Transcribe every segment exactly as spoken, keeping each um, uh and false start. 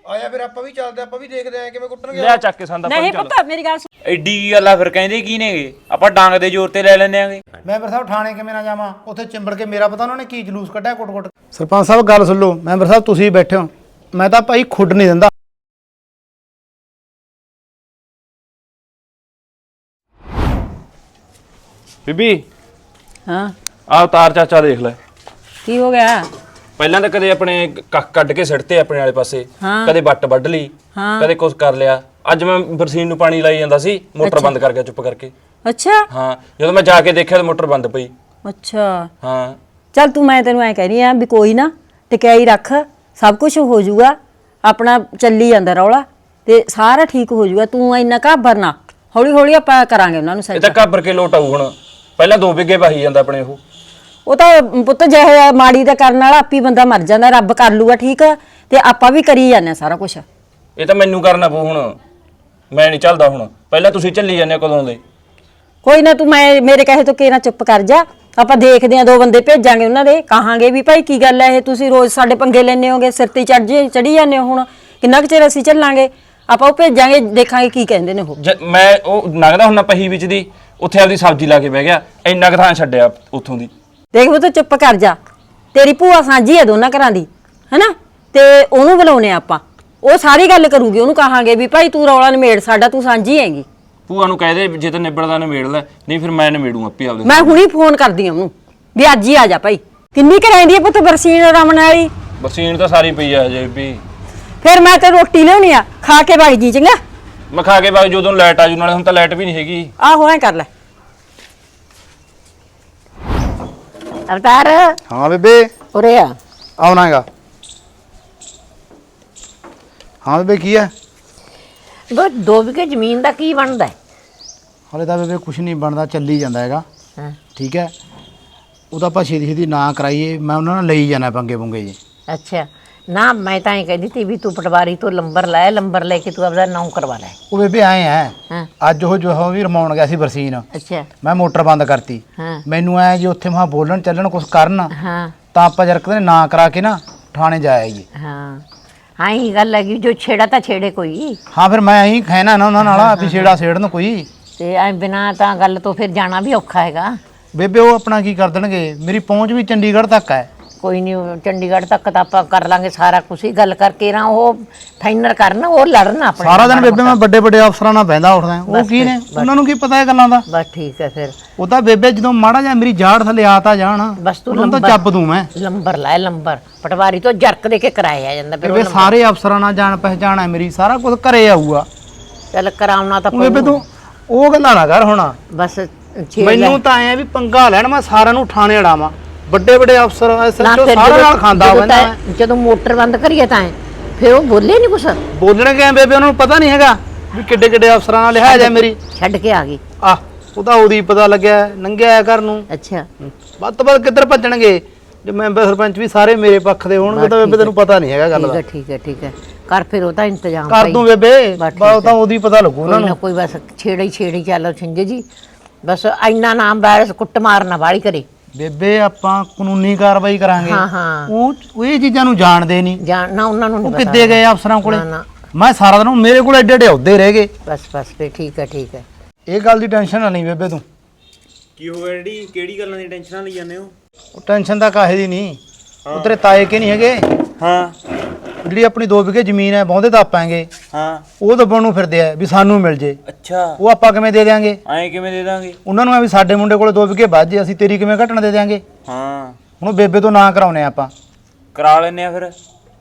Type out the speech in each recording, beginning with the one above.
ਆਇਆ ਫਿਰ ਆਪਾਂ ਵੀ ਚੱਲਦੇ ਆਪਾਂ ਵੀ ਦੇਖਦੇ ਆਂ ਕਿਵੇਂ ਕੁੱਟਣਗੇ ਲਿਆ ਚੱਕ ਕੇ ਸੰਦਾ ਨਹੀਂ ਪੁੱਤ ਮੇਰੀ ਗੱਲ ਸੁਣ। ਐਡੀ ਕੀ ਗੱਲ ਆ ਫਿਰ ਕਹਿੰਦੇ ਕੀ ਨੇਗੇ ਆਪਾਂ ਡਾਂਗ ਦੇ ਜ਼ੋਰ ਤੇ ਲੈ ਲੈਂਦੇ ਆਂਗੇ। ਮੈਂਬਰ ਸਾਹਿਬ ਥਾਣੇ ਕਿਵੇਂ ਨਾ ਜਾਵਾਂ ਉੱਥੇ ਚਿੰਬੜ ਕੇ ਮੇਰਾ ਪਤਾ ਉਹਨਾਂ ਨੇ ਕੀ ਜਲੂਸ ਕੱਢਿਆ ਕੁੱਟ-ਕੁੱਟ। ਸਰਪੰਚ ਸਾਹਿਬ ਗੱਲ ਸੁਣ ਲਓ ਮੈਂਬਰ ਸਾਹਿਬ ਤੁਸੀਂ ਬੈਠੇ ਹੋ ਮੈਂ ਤਾਂ ਭਾਈ ਖੁੱਡ ਨਹੀਂ ਦਿੰਦਾ। ਬੀਬੀ ਹਾਂ ਆ ਉਤਾਰ ਚਾਚਾ ਦੇਖ ਲੈ। ਕੀ ਹੋ ਗਿਆ? ਪਹਿਲਾਂ ਤਾਂ ਕਦੇ ਆਪਣੇ ਕੱਖ ਕੱਢ ਕੇ ਸਿੱਟਤੇ ਆਪਣੇ ਵਾਲੇ ਪਾਸੇ, ਕਦੇ ਵੱਟ ਵੱਢ ਲਈ, ਕਦੇ ਕੁਛ ਕਰ ਲਿਆ। ਅੱਜ ਮੈਂ ਬਰਸੀਨ ਨੂੰ ਪਾਣੀ ਲਾਈ ਜਾਂਦਾ ਸੀ, ਮੋਟਰ ਬੰਦ ਕਰ ਗਿਆ ਚੁੱਪ ਕਰਕੇ। ਅੱਛਾ ਹਾਂ ਜਦੋਂ ਮੈਂ ਜਾ ਕੇ ਦੇਖਿਆ ਤਾਂ ਮੋਟਰ ਬੰਦ ਪਈ। ਅੱਛਾ ਹਾਂ ਚੱਲ ਤੂੰ ਮੈਂ ਤੈਨੂੰ ਐ ਕਹਿ ਰਹੀ ਆ ਵੀ ਕੋਈ ਨਾ ਟਿਕਾਈ ਰੱਖ, ਸਭ ਕੁਝ ਹੋ ਜਾਊਗਾ, ਆਪਣਾ ਚੱਲੀ ਜਾਂਦਾ ਰੌਲਾ ਤੇ ਸਾਰਾ ਠੀਕ ਹੋ ਜਾਊਗਾ। ਤੂੰ ਇੰਨਾ ਘਾਬਰ ਨਾ, ਹੌਲੀ ਹੌਲੀ ਆਪਾਂ ਕਰਾਂਗੇ ਉਹਨਾਂ ਨੂੰ ਇਹ ਸੈੱਟ। ਤਾਂ ਘਾਬਰ ਕੇ ਲੋਟ ਆਊ ਹੁਣ। ਪਹਿਲਾਂ ਦੋ ਬਿੱਗੇ ਵਾਹੀ ਜਾਂਦਾ ਆਪਣੇ ਉਹ ਉਹ ਤਾਂ ਪੁੱਤ ਜਿਹੇ ਮਾੜੀ ਦਾ ਕਰਨ ਵਾਲਾ ਆਪੀ ਬੰਦਾ ਮਰ ਜਾਂਦਾ, ਰੱਬ ਕਰ ਲੂਗਾ ਠੀਕ ਤੇ ਆਪਾਂ ਵੀ ਕਰੀ ਜਾਂਦੇ ਸਾਰਾ ਕੁਝ। ਇਹ ਤਾਂ ਮੈਨੂੰ ਕਰਨਾ ਪਊ ਹੁਣ, ਮੈਂ ਨਹੀਂ ਚੱਲਦਾ ਹੁਣ। ਪਹਿਲਾਂ ਤੁਸੀਂ ਚੱਲੀ ਜਾਂਦੇ ਕਦੋਂ ਦੇ। ਕੋਈ ਨਾ ਤੂੰ ਮੈਂ ਮੇਰੇ ਕਹੇ ਤੋਂ ਕਿਹੜਾ ਚੁੱਪ ਕਰ ਜਾ, ਆਪਾਂ ਦੇਖਦੇ ਆ, ਦੋ ਬੰਦੇ ਭੇਜਾਂਗੇ ਉਹਨਾਂ ਦੇ, ਕਹਾਂਗੇ ਵੀ ਭਾਈ ਕੀ ਗੱਲ ਹੈ ਇਹ ਤੁਸੀਂ ਰੋਜ਼ ਸਾਡੇ ਪੰਗੇ ਲੈਣੇ ਹੋਗੇ, ਸਿਰ ਤੇ ਚੜ ਜੇ ਚੜੀ ਜਾਂਦੇ ਹੋ, ਹੁਣ ਕਿੰਨਾ ਕੁ ਚਿਰ ਅਸੀਂ ਚੱਲਾਂਗੇ। ਆਪਾਂ ਉਹ ਭੇਜਾਂਗੇ, ਦੇਖਾਂਗੇ ਕੀ ਕਹਿੰਦੇ ਨੇ ਉਹ। ਮੈਂ ਉਹ ਨਗਦਾ ਹੁਣ ਪਹੀ ਵਿੱਚ ਦੀ ਉੱਥੇ ਆਪਦੀ ਸਬਜ਼ੀ ਲਾ ਕੇ ਬਹਿ ਗਿਆ, ਇੰਨਾ ਕੁ ਥਾਂ ਛੱਡਿਆ ਉੱਥੋਂ ਦੀ। ਦੇਖ ਉਹ ਤਾਂ ਚੁੱਪ ਕਰ ਜਾ, ਤੇਰੀ ਭੂਆ ਸਾਂਝੀ ਹੈ ਦੋਨਾਂ ਘਰਾਂ ਦੀ ਹੈਨਾ, ਤੇ ਉਹਨੂੰ ਬੁਲਾਉਣੇ ਆਪਾਂ, ਉਹ ਸਾਰੀ ਗੱਲ ਕਰੂਗੀ, ਉਹਨੂੰ ਕਹਾਂਗੇ ਵੀ ਭਾਈ ਤੂੰ ਰੌਲਾ ਨਿਮੇੜ ਸਾਡਾ, ਤੂੰ ਸਾਂਝੀ ਹੈਗੀ। ਭੂਆ ਨੂੰ ਕਹਿ ਦੇ ਜੇ ਤਾਂ ਨਿਬੜਦਾ ਨਿਬੇੜ ਲੈ, ਨਹੀਂ ਫਿਰ ਮੈਂ ਨਿਬੇੜੂ ਆਪੇ ਆਪਦੇ। ਮੈਂ ਹੁਣੀ ਫੋਨ ਕਰਦੀ ਆ ਉਹਨੂੰ ਵੀ ਅੱਜ ਹੀ ਆ ਜਾ ਭਾਈ। ਕਿੰਨੀ ਕੁ ਰਹਿੰਦੀ ਹੈ ਪੁੱਤ ਬਰਸੀਨ ਰਮਨ ਵਾਲੀ? ਬਰਸੀਨ ਤਾਂ ਸਾਰੀ ਪਈ ਆ ਹਜੇ ਵੀ। ਫਿਰ ਮੈਂ ਤੇ ਰੋਟੀ ਲਿਆਉਣੀ ਆ, ਖਾ ਕੇ ਵਗ ਜੀ ਚੰਗਾ। ਮੈਂ ਖਾ ਕੇ ਬਾਅਦ ਜਦੋਂ ਲਾਈਟ ਆ ਜੂ, ਨਾਲੇ ਹੁਣ ਤਾਂ ਲਾਈਟ ਵੀ ਨਹੀਂ ਹੈਗੀ। ਆਹੋ ਐ ਕਰ ਲੈ। ਅਵਤਾਰ ਹਾਂ ਬੇਬੇ ਉਰੇ ਆ। ਆਉਣਾਗਾ। ਹਾਂ ਬੇਬੇ ਕੀ ਹੈ? ਬਸ ਦੋ ਵਿਗੇ ਜ਼ਮੀਨ ਦਾ ਕੀ ਬਣਦਾ? ਹਲੇ ਤਾਂ ਬੇਬੇ ਕੁਝ ਨਹੀਂ ਬਣਦਾ, ਚੱਲੀ ਜਾਂਦਾ ਹੈਗਾ। ਹਾਂ ਠੀਕ ਹੈ, ਉਹਦਾ ਆਪਾਂ ਛੇਤੀ ਛੇਤੀ ਨਾ ਕਰਾਈਏ, ਮੈਂ ਉਹਨਾਂ ਨਾਲ ਲਈ ਜਾਣਾ ਪੰਗੇ ਪੁੰਗੇ ਜੀ। ਅੱਛਾ ਨਾ, ਮੈਂ ਤਾਂ ਇਹ ਕਹਿੰਦੀ ਤੀ ਵੀ ਤੂੰ ਪਟਵਾਰੀ ਤੋਂ ਲੰਬਰ ਲੈ, ਲੰਬਰ ਲੈ ਕੇ ਤੂੰ ਆਪਦਾ ਨਾਮ ਕਰਵਾ ਲੈ। ਉਹ ਬੇਬੇ ਆਏ ਹੈ ਹਾਂ ਅੱਜ ਉਹ ਜੋ ਉਹ ਵੀ ਰਮਾਉਣ ਗਿਆ ਸੀ ਬਰਸੀਨ, ਅੱਛਾ ਮੈਂ ਮੋਟਰ ਬੰਦ ਕਰਤੀ। ਹਾਂ ਮੈਨੂੰ ਐ ਜੀ ਉੱਥੇ ਮਹਾ ਬੋਲਣ ਚੱਲਣ ਕੁਝ ਕਰਨ, ਹਾਂ ਤਾਂ ਆਪਾਂ ਜਰਕ ਦੇ ਨਾ ਕਰਾ ਕੇ ਨਾ ਥਾਣੇ ਜਾ ਆਈਏ। ਹਾਂ ਹਾਂ ਇਹ ਗੱਲ ਹੈਗੀ, ਜੋ ਛੇੜਾ ਤਾਂ ਛੇੜੇ ਕੋਈ। ਹਾਂ ਫਿਰ ਮੈਂ ਐਂ ਕਹਿਣਾ ਨਾ ਉਹਨਾਂ ਨਾਲ ਵੀ ਛੇੜਾ ਛੇੜਨ ਕੋਈ, ਤੇ ਐ ਬਿਨਾਂ ਤਾਂ ਗੱਲ ਤੋਂ ਫਿਰ ਜਾਣਾ ਵੀ ਔਖਾ ਹੈਗਾ। ਬੇਬੇ ਉਹ ਆਪਣਾ ਕੀ ਕਰ ਦੇਣਗੇ, ਮੇਰੀ ਪਹੁੰਚ ਵੀ ਚੰਡੀਗੜ੍ਹ ਤੱਕ ਹੈ। ਕੋਈ ਨਹੀਂ, ਚੰਡੀਗੜ੍ਹ ਤੱਕ ਤਾਂ ਆਪਾਂ ਕਰ ਲਾਂਗੇ ਸਾਰਾ ਕੁਝ ਹੀ, ਗੱਲ ਕਰਕੇ ਨਾ ਉਹ ਫਾਈਨਲ ਕਰਨ, ਉਹ ਲੜਨ ਆਪਣੇ। ਸਾਰਾ ਦਿਨ ਬੇਬੇ ਮੈਂ ਵੱਡੇ ਵੱਡੇ ਅਫਸਰਾਂ ਨਾਲ ਬਹਿੰਦਾ ਉੱਠਦਾ, ਉਹ ਕੀ ਨੇ, ਉਹਨਾਂ ਨੂੰ ਕੀ ਪਤਾ ਇਹ ਗੱਲਾਂ ਦਾ। ਬਸ ਠੀਕ ਹੈ ਫਿਰ। ਉਹ ਤਾਂ ਬੇਬੇ ਜਦੋਂ ਮਾੜਾ ਜਿਹਾ ਮੇਰੀ ਜਾੜ ਥੱਲੇ ਆ ਤਾਂ ਜਾਣ, ਬਸ ਤੂੰ ਉਹਨਾਂ ਤਾਂ ਚੱਬ ਦੂੰ ਮੈਂ। ਲੰਬਰ ਲੈ, ਲੰਬਰ ਪਟਵਾਰੀ ਤੋਂ ਜਰਕ ਦੇ ਕੇ ਕਰਾਇਆ ਜਾਂਦਾ ਫਿਰ। ਬੇਬੇ ਸਾਰੇ ਅਫਸਰਾਂ ਨਾਲ ਜਾਣ ਪਹਿਚਾਣ ਹੈ ਮੇਰੀ, ਸਾਰਾ ਕੁਝ ਘਰੇ ਆਊਗਾ। ਚੱਲ ਕਰਾਉਣਾ ਤਾਂ ਬੇਬੇ ਤੂੰ ਉਹ ਗੱਲਾਂ ਨਾ ਕਰ ਹੁਣ। ਬਸ ਛੇ ਮੈਨੂੰ ਤਾਂ ਐ ਵੀ ਪੰਗਾ ਲੈਣ, ਮੈਂ ਸਾਰਿਆਂ ਨੂੰ ਠਾਣੇ ਅੜਾਵਾਂ, ਵੱਡੇ ਵੱਡੇ ਅਫਸਰ ਐਸਐਚਓ ਸਾਰਿਆਂ ਨਾਲ ਖਾਂਦਾ ਬੰਦਾ। ਜਦੋਂ ਮੋਟਰ ਬੰਦ ਕਰੀਏ ਤਾਂ ਫਿਰ ਉਹ ਬੋਲੇ ਨਹੀਂ ਕੁਛ। ਬੋਲਣਗੇ ਬੇਬੇ, ਉਹਨਾਂ ਨੂੰ ਪਤਾ ਨਹੀਂ ਹੈਗਾ ਵੀ ਕਿੱਡੇ ਕਿੱਡੇ ਅਫਸਰਾਂ ਨਾਲ ਲਿਹਾਜ਼ ਹੈ ਮੇਰੀ। ਛੱਡ ਕੇ ਆ ਗਈ ਆਹ ਉਹਦਾ ਉਹਦੀ ਪਤਾ ਲੱਗਿਆ, ਨੰਗਿਆ ਘਰ ਨੂੰ। ਅੱਛਾ ਵੱਧ ਤੋਂ ਵੱਧ ਕਿੱਧਰ ਭੱਜਣਗੇ, ਜੇ ਮੈਂਬਰ ਸਰਪੰਚ ਵੀ ਸਾਰੇ ਮੇਰੇ ਪੱਖ ਦੇ ਹੋਣਗੇ ਤਾਂ ਬੇਬੇ ਤੈਨੂੰ ਪਤਾ ਨਹੀਂ ਹੈਗਾ ਗੱਲ ਦਾ। ਠੀਕ ਹੈ ਠੀਕ ਹੈ ਕਰ ਫਿਰ ਉਹਦਾ ਇੰਤਜ਼ਾਮ ਕਰ ਦੂੰ ਬੇਬੇ, ਬਸ ਤਾਂ ਉਹਦੀ ਪਤਾ ਲੱਗੂ ਉਹਨਾਂ ਨੂੰ। ਕੋਈ ਬਸ ਛੇੜੀ ਛੇੜੀ ਚੱਲੋ ਛਿੰਜੇ ਜੀ, ਬਸ ਇੰਨਾ ਨਾਮ ਵਾਇਰਸ ਕੁੱਟ ਮਾਰਨਾ ਵਾਲੀ ਕਰੇ। ਬੇਬੇ ਆਪਾਂ ਕਾਨੂੰਨੀ ਕਾਰਵਾਈ ਕਰਾਂਗੇ। ਹਾਂ ਹਾਂ ਉਹ ਇਹ ਚੀਜ਼ਾਂ ਨੂੰ ਜਾਣਦੇ ਨਹੀਂ, ਜਾਣਨਾ ਉਹਨਾਂ ਨੂੰ ਉਹ ਨਹੀਂ ਕਿੱਦੇ ਗਏ ਅਫਸਰਾਂ ਕੋਲੇ। ਨਾ, ਨਾ। ਮੈਂ ਸਾਰਾ ਦਿਨ ਮੇਰੇ ਕੋਲ ਐਡੇ ਐਡੇ ਅਹੁਦੇ ਰਹਿ ਗਏ। ਬਸ ਬਸ ਫਿਰ ਠੀਕ ਹੈ ਠੀਕ ਹੈ। ਇਹ ਗੱਲ ਦੀ ਟੈਨਸ਼ਨ ਨਾ ਲਈ ਬੇਬੇ ਤੂੰ। ਕੀ ਹੋ ਗਿਆ ਡੈਡੀ, ਕਿਹੜੀ ਗੱਲਾਂ ਦੀ ਟੈਨਸ਼ਨ ਲਈ ਜਾਂਦੇ ਹੋ? ਉਹ ਟੈਨਸ਼ਨ ਤਾਂ ਕਾਹੇ ਦੀ ਨਹੀਂ, ਉਹ ਤੇਰੇ ਤਾਏ ਕੇ ਨਹੀਂ ਹੈਗੇ। ਹਾਂ ਜਿਹੜੀ ਆਪਣੀ ਦੋ ਵਿਗੇ ਜ਼ਮੀਨ ਹੈ ਬਹੁਤੇ ਤਾਂ ਆਪਾਂਗੇ, ਹਾਂ ਉਹ ਦੱਬਣ ਨੂੰ ਫਿਰਦੇ ਆ ਵੀ ਸਾਨੂੰ ਮਿਲ ਜੇ। ਅੱਛਾ ਉਹ ਆਪਾਂ ਕਿਵੇਂ ਦੇ ਦਿਆਂਗੇ? ਐਂ ਕਿਵੇਂ ਦੇ ਦਾਂਗੇ? ਉਹਨਾਂ ਨੂੰ ਆ ਵੀ ਸਾਡੇ ਮੁੰਡੇ ਕੋਲੇ ਦੋ ਵਿਗੇ ਵੱਧ ਜੇ, ਅਸੀਂ ਤੇਰੀ ਕਿਵੇਂ ਘਟਣ ਦੇ ਦਿਆਂਗੇ? ਹਾਂ ਹੁਣ ਬੇਬੇ ਤੋਂ ਨਾ ਕਰਾਉਨੇ ਆਪਾਂ, ਕਰਾ ਲੈਨੇ ਆ ਫਿਰ।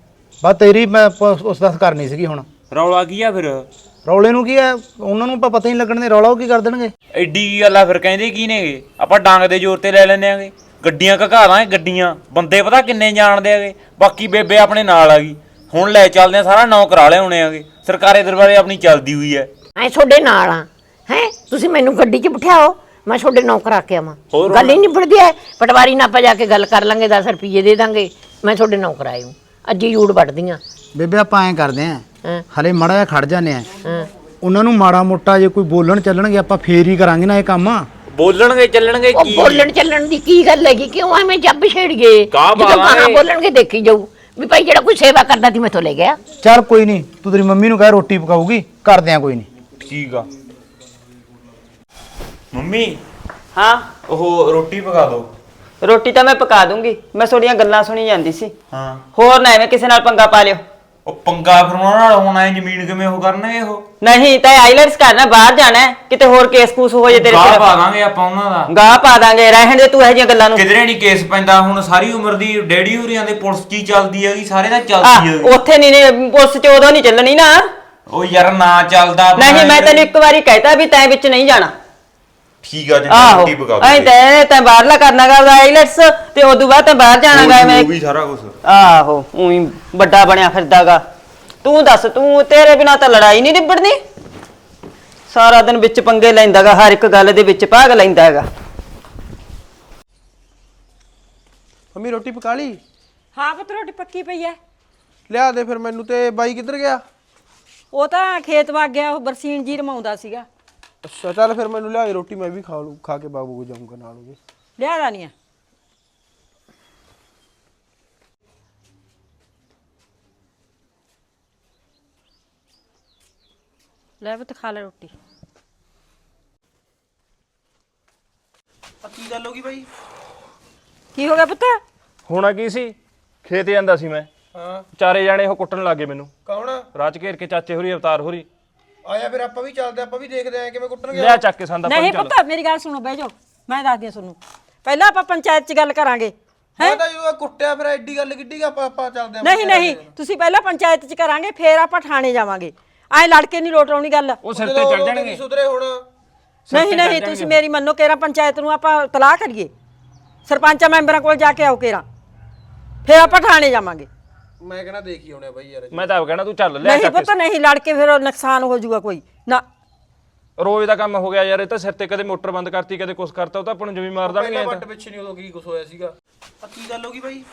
ਬਸ ਤੇਰੀ ਮੈਂ ਉਸ ਦੱਸ ਕਰਨੀ ਸੀਗੀ। ਹੁਣ ਰੌਲਾ ਕੀ ਆ ਫਿਰ? ਰੌਲੇ ਨੂੰ ਕੀ ਹੈ, ਉਹਨਾਂ ਨੂੰ ਆਪਾਂ ਪਤਾ ਹੀ ਲੱਗਣ ਦੇ, ਰੌਲਾ ਉਹ ਕੀ ਕਰ ਦੇਣਗੇ। ਐਡੀ ਕੀ ਗੱਲ ਆ ਫਿਰ, ਕਹਿੰਦੇ ਕੀ ਨੇਗੇ ਆਪਾਂ ਡਾਂਗ ਦੇ ਜ਼ੋਰ ਤੇ ਲੈ ਲੈਂਦੇ ਆਂਗੇ। ਗੱਡੀਆਂ ਘਕਾ ਦਾਂਗੇ, ਗੱਡੀਆਂ ਬੰਦੇ ਪਤਾ ਕਿੰਨੇ ਜਾਣਦੇ ਆਗੇ। ਬਾਕੀ ਬੇਬੇ ਆਪਣੇ ਨਾਲ ਆ ਗਈ, ਹੁਣ ਲੈ ਚੱਲਦੇ ਆ, ਸਾਰਾ ਨੌ ਕਰਾ ਲਿਆਉਣੇ ਆਗੇ। ਸਰਕਾਰੀ ਦਰਬਾਰੇ ਆਪਣੀ ਚੱਲਦੀ ਹੋਈ ਐ। ਐ ਤੁਹਾਡੇ ਨਾਲ ਆ ਹੈ, ਤੁਸੀਂ ਮੈਨੂੰ ਗੱਡੀ 'ਚ ਬਿਠਾਓ, ਮੈਂ ਤੁਹਾਡੇ ਨੌ ਕਰਾ ਕੇ ਆਵਾਂ। ਗੱਲ ਹੀ ਨਿਬੜਦੀ ਐ, ਪਟਵਾਰੀ ਨਾਲ ਆਪਾਂ ਜਾ ਕੇ ਗੱਲ ਕਰ ਲਾਂਗੇ, ਦਸ ਰੁਪਏ ਦੇ ਦਾਂਗੇ, ਮੈਂ ਤੁਹਾਡੇ ਨੌ ਕਰਾਏ ਹੂੰ। ਅੱਜ ਹੀ ਜੂੜ ਵੱਢਦੀਆਂ ਬੇਬੇ ਆਪਾਂ ਐਂ ਕਰਦੇ ਆਂ, ਹਲੇ ਮਾੜਾ ਜਿਹਾ ਖੜ ਜਾਂਦੇ ਆ, ਹਾਂ ਉਹਨਾਂ ਨੂੰ ਮਾੜਾ ਮੋਟਾ ਜੇ ਕੋਈ ਬੋਲਣ ਚੱਲਣਗੇ ਆਪਾਂ ਫੇਰ ਹੀ ਕਰਾਂਗੇ ਨਾ ਇਹ ਕੰਮ। ਬੋਲਣਗੇ ਚੱਲਣਗੇ ਉਹ ਕੀ? ਬੋਲਣ ਚੱਲਣ ਦੀ ਕੀ ਗੱਲ ਹੈਗੀ, ਕਿਉਂ ਐਵੇਂ ਜੱਬ ਛੇੜ ਗਏ? ਜਦੋਂ ਕਹਾਂ ਬੋਲਣਗੇ ਦੇਖੀ ਜਾਊ, ਵੀ ਭਾਈ ਜਿਹੜਾ ਕੋਈ ਸੇਵਾ ਕਰਦਾ ਸੀ ਮੈਥੋਂ ਲੈ ਗਿਆ। ਚੱਲ ਕੋਈ ਨਹੀਂ, ਤੂੰ ਤੇਰੀ ਮੰਮੀ ਨੂੰ ਕਹਿ ਰੋਟੀ ਪਕਾਊਗੀ, ਕਰਦੇ ਆ ਕੋਈ ਨਹੀਂ। ਠੀਕ ਆ ਮੰਮੀ। ਹਾਂ ਉਹ ਰੋਟੀ ਪਕਾ ਦੋ। ਰੋਟੀ ਤਾਂ ਮੈਂ ਪਕਾ ਦੂੰਗੀ, ਮੈਂ ਤੁਹਾਡੀਆਂ ਗੱਲਾਂ ਸੁਣੀ ਜਾਂਦੀ ਸੀ। ਹਾਂ ਹੋਰ ਨਾ ਐਵੇਂ ਕਿਸੇ ਨਾਲ ਪੰਗਾ ਪਾ ਲਿਓ। ਉਹ ਪੰਗਾ ਫਿਰ ਉਹਨਾਂ ਨਾਲ ਹੋਣਾ ਹੈ, ਜ਼ਮੀਨ ਕਿਵੇਂ ਉਹ ਕਰਨਗੇ ਉਹ? ਨਹੀਂ ਤਾਂ ਆਈਲੈਟਸ ਕਰਨਾ, ਬਾਹਰ ਜਾਣਾ ਹੈ, ਕਿਤੇ ਹੋਰ ਕੇਸ ਕੂਸ ਹੋ ਜੇ ਤੇਰੇ ਗਾਹ ਸਿਰ ਪਾ ਦਾਂਗੇ ਆਪਾਂ ਉਹਨਾਂ ਦਾ। ਗਾਹ ਪਾ ਦਾਂਗੇ, ਰਹਿਣ ਦੇ ਤੂੰ ਇਹੋ ਜਿਹੀਆਂ ਗੱਲਾਂ ਨੂੰ। ਕਿਧਰੇ ਨਹੀਂ ਕੇਸ ਪੈਂਦਾ ਹੁਣ, ਸਾਰੀ ਉਮਰ ਦੀ ਡੈਡੀ ਹੋਰੀਆਂ ਦੇ ਪੁਲਿਸ 'ਚ ਹੀ ਚੱਲਦੀ ਹੈਗੀ, ਸਾਰੇ ਦਾ ਆਹ, ਚੱਲਦੀ ਹੈਗੀ। ਉੱਥੇ ਨਹੀਂ ਨੇ ਪੁਲਿਸ ਚ ਉਦੋਂ ਨਹੀਂ ਚੱਲਣੀ ਨਾ। ਉਹ ਯਾਰ ਨਾ ਚੱਲਦਾ ਆਪਣਾ ਨਹੀਂ ਮੈਂ ਇਹ- ਤੈਨੂੰ ਇੱਕ ਵਾਰੀ ਕਹਿਤਾ ਵੀ ਤੈਂ ਵਿੱਚ ਨਹੀਂ ਜਾਣਾ। ਠੀਕ ਆ ਜੀ, ਆਹੋ ਰੋਟੀ ਪਕਾ ਐਂ ਦੋ। ਤੈਂ ਤੈਂ ਬਾਹਰਲਾ ਕਰਨਾਗਾ ਆਈਲੈਟਸ, ਤੇ ਉਦੋਂ ਬਾਅਦ ਤੈਂ ਬਾਹਰ ਜਾਣਾਗਾ ਐਵੇਂ। ਉਹ ਵੀ ਸਾਰਾ ਕੁਝ। ਆਹੋ ਉਹੀ ਵੱਡਾ ਬਣਿਆ ਫਿਰਦਾਗਾ। ਤੂੰ ਦੱਸ, ਤੂੰ ਤੇਰੇ ਬਿਨਾ ਤਾਂ ਲੜਾਈ ਨਹੀਂ ਨਿਬੜਨੀ। ਸਾਰਾ ਦਿਨ ਵਿੱਚ ਪੰਗੇ ਲੈਂਦਾਗਾ, ਹਰ ਇੱਕ ਗੱਲ ਦੇ ਵਿੱਚ ਭਾਗ ਲੈਂਦਾ ਹੈਗਾ। ਮੰਮੀ ਰੋਟੀ ਪਕਾ ਲਈ? ਹਾਂ ਪੁੱਤ ਰੋਟੀ ਪੱਕੀ ਪਈ ਐ। ਲਿਆ ਦੇ ਫਿਰ ਮੈਨੂੰ। ਤੇ ਬਾਈ ਕਿੱਧਰ ਗਿਆ? ਉਹ ਤਾਂ ਖੇਤ ਵਗ ਗਿਆ, ਉਹ ਬਰਸੀਨ ਜੀ ਰਮਾਉਂਦਾ ਸੀਗਾ। ਅੱਛਾ ਚੱਲ ਫਿਰ ਮੈਨੂੰ ਲਿਆ ਦੇ ਰੋਟੀ, ਮੈਂ ਵੀ ਖਾ ਲੂ, ਖਾ ਕੇ ਬਾਬੂ ਕੋ ਜਾਊਂਗਾ ਨਾਲ ਉਹਦੇ। ਲਿਆ ਦਾ ਨਹੀਂ ਆ। ਲੈ ਪੁੱਤ ਖਾ ਲੈ ਰੋਟੀ। ਕੀ ਗੱਲ ਹੋ ਗਈ ਬਾਈ? ਕੀ ਹੋ ਗਿਆ ਪੁੱਤ? ਹੋਣਾ ਕੀ ਸੀ, ਖੇਤ ਜਾਂਦਾ ਸੀ ਮੈਂ। ਹਾਂ ਚਾਰੇ ਜਾਣੇ ਉਹ ਕੁੱਟਣ ਲੱਗੇ ਮੈਨੂੰ, ਕੌਣ? ਰਾਜ ਘੇਰ ਕੇ ਚਾਚੇ ਹੋਰੀ ਅਵਤਾਰ ਹੋਰੀ। ਆਇਆ ਫਿਰ ਆਪਾਂ ਵੀ ਚੱਲਦੇ, ਆਪਾਂ ਵੀ ਦੇਖਦੇ ਆਂ ਕਿਵੇਂ ਕੁੱਟਣਗੇ। ਲਿਆ ਚੱਕ ਕੇ ਸੰਦਾ ਨਹੀਂ ਚੱਲ। ਪੁੱਤ ਮੇਰੀ ਗੱਲ ਸੁਣੋ, ਬਹਿ ਜਾਓ, ਮੈਂ ਦੱਸਦੀ ਆ ਤੁਹਾਨੂੰ। ਪਹਿਲਾਂ ਆਪਾਂ ਪੰਚਾਇਤ 'ਚ ਗੱਲ ਕਰਾਂਗੇ। ਮੈਂ ਤਾਂ ਜਦੋਂ ਕੁੱਟਿਆ ਫਿਰ ਐਡੀ ਗੱਲ ਕਿੱਡੀ ਗਾ, ਆਪਾਂ ਆਪਾਂ ਚੱਲਦੇ ਆਂ। ਨਹੀਂ ਨਹੀਂ, ਤੁਸੀਂ ਪਹਿਲਾਂ ਪੰਚਾਇਤ 'ਚ ਕਰਾਂਗੇ, ਫੇਰ ਆਪਾਂ ਥਾਣੇ ਜਾਵਾਂਗੇ। ਐਂ ਲੜ ਕੇ ਨਹੀਂ ਲੋਟ ਆਉਣੀ ਗੱਲ। ਉਹ ਸਿਰ ਤੇ ਚੜ ਜਾਣਗੇ। ਸੁਧਰੇ ਹੁਣ। ਨਹੀਂ ਨਹੀਂ, ਤੁਸੀਂ ਮੇਰੀ ਮੰਨੋ, ਕੇਰਾ ਪੰਚਾਇਤ ਨੂੰ ਆਪਾਂ ਤਲਾਹ ਕਰੀਏ, ਸਰਪੰਚਾਂ ਮੈਂਬਰਾਂ ਕੋਲ ਜਾ ਕੇ ਆਓ ਕੇਰਾ, ਫੇਰ ਆਪਾਂ ਥਾਣੇ ਜਾਵਾਂਗੇ। ਮੈਂ ਕਹਿੰਦਾ ਦੇਖੀ ਆਉਣੇ ਬਾਈ ਯਾਰ। ਮੈਂ ਤਾਂ ਆਪ ਕਹਿਣਾ ਤੂੰ ਚੱਲ, ਲਿਆ ਨਹੀਂ ਚੱਕ ਪੁੱਤ ਨਹੀਂ, ਲੜ ਕੇ ਫਿਰ ਨੁਕਸਾਨ ਹੋ ਜਾਊਗਾ ਕੋਈ ਨਾ। ਕੇ। ਰੋਜ਼ ਦਾ ਕੰਮ ਹੋ ਗਿਆ ਯਾਰ, ਇਹ ਤਾਂ ਸਿਰ ਤੇ ਕਦੇ ਮੋਟਰ ਬੰਦ ਕਰਤੀ, ਕਦੇ ਕੁਛ ਕਰਤਾ, ਉਹ ਤਾਂ ਆਪਾਂ ਨੂੰ ਜਮੀ ਮਾਰ ਦੇਣਗੇ। ਪਹਿਲਾਂ ਵੱਟ ਪਿੱਛੇ ਨਹੀਂ ਉਦੋਂ ਕੀ ਕੁਛ ਹੋਇਆ ਸੀਗਾ। ਆ ਕੀ ਗੱਲ ਹੋ ਗਈ ਬਾਈ?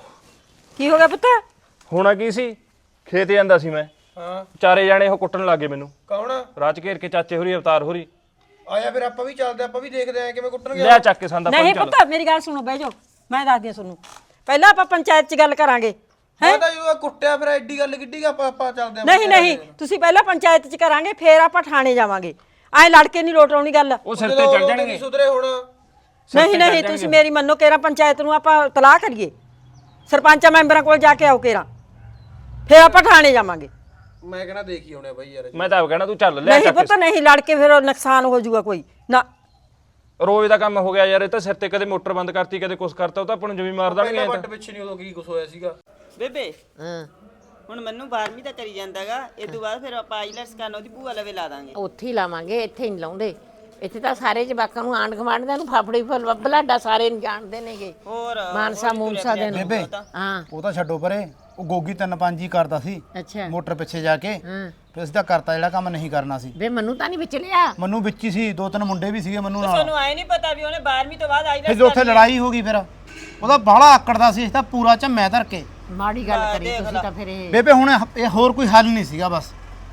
ਕੀ ਹੋ ਗਿਆ ਪੁੱਤ? ਹੋਣਾ ਕੀ ਸੀ, ਖੇਤ ਜਾਂਦਾ ਸੀ ਮੈਂ। ਹਾਂ ਚਾਰੇ ਜਾਣੇ ਉਹ ਕੁੱਟਣ ਲੱਗੇ ਮੈਨੂੰ, ਕੌਣ? ਰਾਜ ਘੇਰ ਕੇ ਚਾਚੇ ਹੋਰੀ ਅਵਤਾਰ ਹੋਰੀ। ਆਇਆ ਫਿਰ ਆਪਾਂ ਵੀ ਚੱਲਦੇ, ਆਪਾਂ ਵੀ ਦੇਖਦੇ ਆਂ ਕਿਵੇਂ ਕੁੱਟਣਗੇ। ਲਿਆ ਚੱਕ ਕੇ ਸੰਦਾ ਨਹੀਂ ਚੱਲ। ਪੁੱਤ ਮੇਰੀ ਗੱਲ ਸੁਣੋ, ਬਹਿ ਜਾਓ, ਮੈਂ ਦੱਸਦੀ ਆ ਤੁਹਾਨੂੰ। ਪਹਿਲਾਂ ਆਪਾਂ ਪੰਚਾਇਤ 'ਚ ਗੱਲ ਕਰਾਂਗੇ। ਮੈਂ ਤਾਂ ਜਦੋਂ ਕੁੱਟਿਆ ਫਿਰ ਐਡੀ ਗੱਲ ਕਿੱਡੀ ਗਾ, ਆਪਾਂ ਆਪਾਂ ਚੱਲਦੇ ਆਂ। ਨਹੀਂ ਨਹੀਂ, ਤੁਸੀਂ ਪਹਿਲਾਂ ਪੰਚਾਇਤ 'ਚ ਕਰਾਂਗੇ, ਫੇਰ ਆਪਾਂ ਥਾਣੇ ਜਾਵਾਂਗੇ। ਐਂ ਲੜ ਕੇ ਨਹੀਂ ਲੋਟ ਆਉਣੀ ਗੱਲ। ਉਹ ਸਿਰ ਤੇ ਚੜ ਜਾਣਗੇ। ਸੁਧਰੇ ਹੁਣ। ਨਹੀਂ ਨਹੀਂ, ਤੁਸੀਂ ਮੇਰੀ ਮੰਨੋ, ਕੇਰਾ ਪੰਚਾਇਤ ਨੂੰ ਆਪਾਂ ਤਲਾਹ ਕਰੀਏ, ਸਰਪੰਚਾਂ ਮੈਂਬਰਾਂ ਕੋਲ ਜਾ ਕੇ ਆਓ ਕੇਰਾ, ਫੇਰ ਆਪਾਂ ਥਾਣੇ ਜਾਵਾਂਗੇ। ਮੈਂ ਕਹਿੰਦਾ ਦੇਖੀ ਆਉਣੇ ਬਾਈ ਯਾਰ। ਮੈਂ ਤਾਂ ਆਪ ਕਹਿਣਾ ਤੂੰ ਚੱਲ, ਲਿਆ ਨਹੀਂ ਚੱਕ ਪੁੱਤ ਨਹੀਂ, ਲੜ ਕੇ ਫਿਰ ਨੁਕਸਾਨ ਹੋ ਜਾਊਗਾ ਕੋਈ ਨਾ। ਕੇ। ਰੋਜ਼ ਦਾ ਕੰਮ ਹੋ ਗਿਆ ਯਾਰ, ਇਹ ਤਾਂ ਸਿਰ ਤੇ ਕਦੇ ਮੋਟਰ ਬੰਦ ਕਰਤੀ, ਕਦੇ ਕੁਛ ਕਰਤਾ, ਉਹ ਤਾਂ ਆਪਾਂ ਨੂੰ ਜਮੀ ਮਾਰ ਦੇਣਗੇ। ਪਹਿਲਾਂ ਵੱਟ ਪਿੱਛੇ ਨਹੀਂ ਉਦੋਂ ਕੀ ਕੁਛ ਹੋਇਆ ਸੀਗਾ। ਬੇਬੇ ਹਾਂ ਹੁਣ ਮੈਨੂੰ ਬਾਰਵੀਂ ਤਾਂ ਕਰੀ ਜਾਂਦਾਗਾ, ਇਹ ਤੋਂ ਬਾਅਦ ਫਿਰ ਆਪਾਂ ਆਈਲੈਟਸ ਕਰਨ ਉਹਦੀ ਭੂਆ ਲਵੇ ਲਾ ਦਾਂਗੇ। ਉੱਥੇ ਹੀ ਲਾਵਾਂਗੇ, ਇੱਥੇ ਨਹੀਂ ਲਾਉਂਦੇ। ਇੱਥੇ ਤਾਂ ਸਾਰੇ ਜਵਾਕਾਂ ਨੂੰ ਆਂਢ ਗੁਆਂਢ ਨੂੰ ਫਾਫੜੀ ਫੁੱਲ ਬਲਾਡਾ ਸਾਰੇ ਨੂੰ ਜਾਣਦੇ ਨੇਗੇ। ਹੋਰ ਮਾਨਸਾ ਮੂਨਸਾ ਦੇ ਨੂੰ। ਬੇਬੇ ਹਾਂ ਉਹ ਤਾਂ ਛੱਡੋ ਪਰੇ, ਉਹ ਗੋਗੀ ਤਿੰਨ ਪੰਜ ਹੀ ਕਰਦਾ ਸੀ ਅੱਛਾ ਮੋਟਰ ਪਿੱਛੇ ਜਾ ਕੇ। ਹਾਂ ਫਿਰ ਅਸੀਂ ਤਾਂ ਕਰਤਾ ਜਿਹੜਾ ਕੰਮ ਨਹੀਂ ਕਰਨਾ ਸੀ। ਵੇ ਮੈਨੂੰ ਤਾਂ ਨਹੀਂ ਵਿੱਚ ਲਿਆ। ਮੈਨੂੰ ਵਿੱਚ ਹੀ ਸੀ, ਦੋ ਤਿੰਨ ਮੁੰਡੇ ਵੀ ਸੀਗੇ ਮੈਨੂੰ ਨਾਲ। ਤੁਹਾਨੂੰ ਆਏ ਨਹੀਂ ਪਤਾ ਵੀ ਉਹਨੇ ਬਾਰਵੀਂ ਤੋਂ ਬਾਅਦ ਫਿਰ ਆਈਲੈਟਸ ਉੱਥੇ ਲੜਾਈ ਹੋ ਗਈ, ਫਿਰ ਉਹਦਾ ਬਾਹਲਾ ਆਕੜਦਾ ਸੀ, ਅਸੀਂ ਤਾਂ ਪੂਰਾ ਝੰਮਿਆ ਧਰ ਕੇ। ਮਾੜੀ ਗੱਲ ਕਰੀ ਤੁਸੀਂ ਤਾਂ ਫਿਰ ਇਹ। ਬੇਬੇ ਹੁਣ ਇਹ ਹੋਰ ਕੋਈ ਹੱਲ ਨਹੀਂ ਸੀਗਾ, ਬਸ